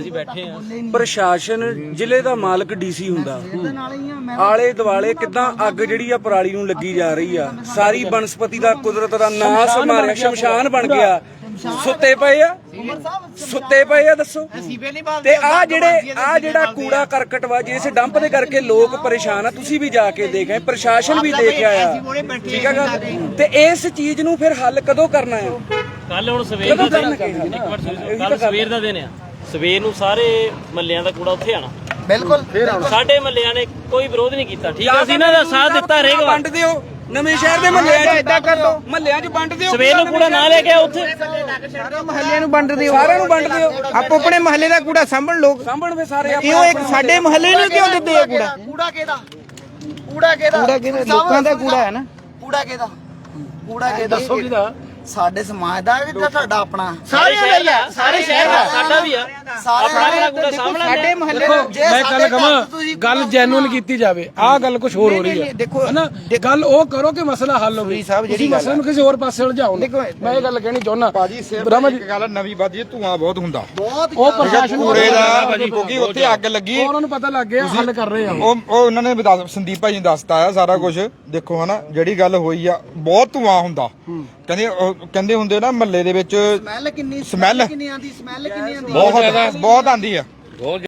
Speaker 9: ਪ੍ਰਸ਼ਾਸਨ ਜ਼ਿਲ੍ਹੇ ਦਾ ਮਾਲਕ ਡੀਸੀ ਹੁੰਦਾ, ਆਲੇ ਦੁਆਲੇ ਕਿਦਾਂ ਅੱਗ ਜਿਹੜੀ ਆ ਪਰਾਲੀ ਨੂੰ ਲੱਗੀ ਜਾ ਰਹੀ ਆ, ਸਾਰੀ ਬਨਸਪਤੀ ਦਾ ਕੁਦਰਤ ਦਾ ਨਾਸ ਮਾਰਿਆ, ਸ਼ਮਸ਼ਾਨ ਬਣ ਗਿਆ। ਸੁੱਤੇ ਪਏ ਆ ਸੁੱਤੇ ਪਏ ਆ ਦੱਸੋ। ਤੇ ਆ ਜਿਹੜੇ ਆ ਜਿਹੜਾ ਕੂੜਾ ਕਰਕਟ ਵਾ ਜਿਸ ਡੰਪ ਦੇ ਕਰਕੇ ਲੋਕ ਪਰੇਸ਼ਾਨ ਆ, ਤੁਸੀਂ ਵੀ ਜਾ ਕੇ ਦੇਖਿਆ, ਪ੍ਰਸ਼ਾਸਨ ਵੀ ਦੇਖਿਆ ਆ, ਠੀਕ ਆ ਗੱਲ। ਤੇ ਇਸ ਚੀਜ਼ ਨੂੰ ਫਿਰ ਹੱਲ ਕਦੋਂ ਕਰਨਾ ਆ?
Speaker 10: ਕੱਲ ਹੁਣ ਸਵੇਰ ਦਾ ਦਿਨ ਕੱਲ ਸਵੇਰ ਦਾ ਦਿਨ ਆ, ਸਵੇਰ ਨੂੰ ਸਾਰੇ ਮੱਲਿਆਂ ਦਾ ਕੂੜਾ ਉੱਥੇ ਆਣਾ
Speaker 8: ਬਿਲਕੁਲ
Speaker 10: ਸਾਡੇ ਮੱਲਿਆਂ ਨੇ ਕੋਈ ਵਿਰੋਧ ਨਹੀਂ ਕੀਤਾ, ਠੀਕ ਆ, ਅਸੀਂ ਇਹਨਾਂ ਦਾ ਸਾਥ ਦਿੱਤਾ ਰਹੇਗਾ।
Speaker 9: ਵੰਡ ਦਿਓ ਨਵੇਂ ਸ਼ਹਿਰ ਦੇ ਮਹੱਲਿਆਂ 'ਚ, ਇਦਾਂ ਕਰ ਦੋ ਮਹੱਲਿਆਂ 'ਚ ਵੰਡ ਦਿਓ,
Speaker 10: ਸਵੇਰ ਨੂੰ ਕੂੜਾ ਨਾ ਲੈ ਕੇ ਆਓ ਉੱਥੇ,
Speaker 6: ਸਾਰੇ ਮਹੱਲੇ ਨੂੰ ਵੰਡ ਦਿਓ,
Speaker 9: ਸਾਰਿਆਂ ਨੂੰ ਵੰਡ ਦਿਓ।
Speaker 6: ਆਪੋ ਆਪਣੇ ਮਹੱਲੇ ਦਾ ਕੂੜਾ ਸਾਂਭਣ ਲੋਕ,
Speaker 9: ਸਾਂਭਣ ਫੇ ਸਾਰੇ
Speaker 6: ਕਿਉਂ ਇੱਕ ਸਾਡੇ ਮਹੱਲੇ ਨੂੰ ਕਿਉਂ ਦਿੰਦੇ ਆ ਕੂੜਾ?
Speaker 8: ਕੂੜਾ ਕਿਹਦਾ ਕੂੜਾ ਕਿਹਦਾ
Speaker 6: ਕੂੜਾ ਕਿਹਦਾ? ਲੋਕਾਂ ਦਾ ਕੂੜਾ ਹੈ ਨਾ।
Speaker 8: ਕੂੜਾ ਕਿਹਦਾ ਕੂੜਾ ਕਿਹਦਾ
Speaker 1: ਦੱਸੋ ਕਿਹਦਾ?
Speaker 8: ਸਾਡੇ ਸਮਾਜ ਦਾ ਕਿ ਤੁਹਾਡਾ ਆਪਣਾ
Speaker 10: ਸਾਰੇ ਸ਼ਹਿਰ ਦਾ, ਸਾਰੇ ਸ਼ਹਿਰ ਦਾ, ਸਾਡਾ ਵੀ ਆ, ਆਪਣਾ ਆਪਣਾ ਕੂੜਾ ਸਾਂਭਣਾ।
Speaker 6: ਸਾਡੇ ਮਹੱਲੇ
Speaker 1: ਦੇਖੋ ਮੈਂ ਗੱਲ ਕਹਾਂ, ਗੱਲ ਜੈਨੂਅਲ ਕੀਤੀ ਜਾਵੇ, ਆਹ ਗੱਲ ਕੁਝ ਹੋਰ ਹੋ ਰਹੀ ਹੈ
Speaker 6: ਦੇਖੋ
Speaker 1: ਹਨਾ, ਗੱਲ ਉਹ ਕਰੋ ਕਿ ਮਸਲਾ ਹੱਲ ਹੋਵੇ
Speaker 6: ਸਾਹਿਬ ਜਿਹੜੀ
Speaker 1: ਤੁਸੀਂ ਮਸਲੇ ਨੂੰ ਕਿਸੇ ਹੋਰ ਪਾਸੇ ਉਲਝਾਓ ਨਾ। ਮੈਂ ਇਹ ਗੱਲ ਕਹਿਣੀ ਚਾਹੁੰਦਾ
Speaker 11: ਭਾਜੀ ਸਿਰਫ ਇੱਕ ਗੱਲ ਨਵੀਂ ਬਾਜੀ ਧੂਆਂ ਬਹੁਤ ਹੁੰਦਾ,
Speaker 1: ਉਹ ਪ੍ਰਸ਼ਾਸਨ ਨੂੰ
Speaker 11: ਕੂੜੇ ਦਾ ਭਾਜੀ ਕਿਉਂਕਿ ਉੱਥੇ ਅੱਗ ਲੱਗੀ,
Speaker 1: ਉਹਨਾਂ ਨੂੰ ਪਤਾ ਲੱਗ ਗਿਆ, ਹੱਲ ਕਰ ਰਹੇ ਆ
Speaker 11: ਉਹ ਉਹ ਉਹਨਾਂ ਨੇ ਵੀ ਦੱਸ- ਸੰਦੀਪ ਭਾਜੀ ਨੇ ਦੱਸਤਾ ਆ ਸਾਰਾ ਕੁਝ। ਦੇਖੋ ਹਨਾ ਜਿਹੜੀ ਗੱਲ ਹੋਈ ਆ, ਬਹੁਤ ਧੂਆਂ ਹੁੰਦਾ, ਕਹਿੰਦੇ ਉਹ ਕਹਿੰਦੇ ਹੁੰਦੇ ਨਾ ਮਹੱਲੇ ਦੇ ਵਿੱਚ
Speaker 8: ਸਮੈਲ ਕਿੰਨੀ
Speaker 11: ਸਮੈਲ
Speaker 8: ਕਿੰਨੀ ਆਂਦੀ ਸਮੈਲ ਕਿੰਨੀ ਆਂਦੀ
Speaker 11: ਬਹੁਤ ਬਹੁਤ ਆਂਦੀ ਆ।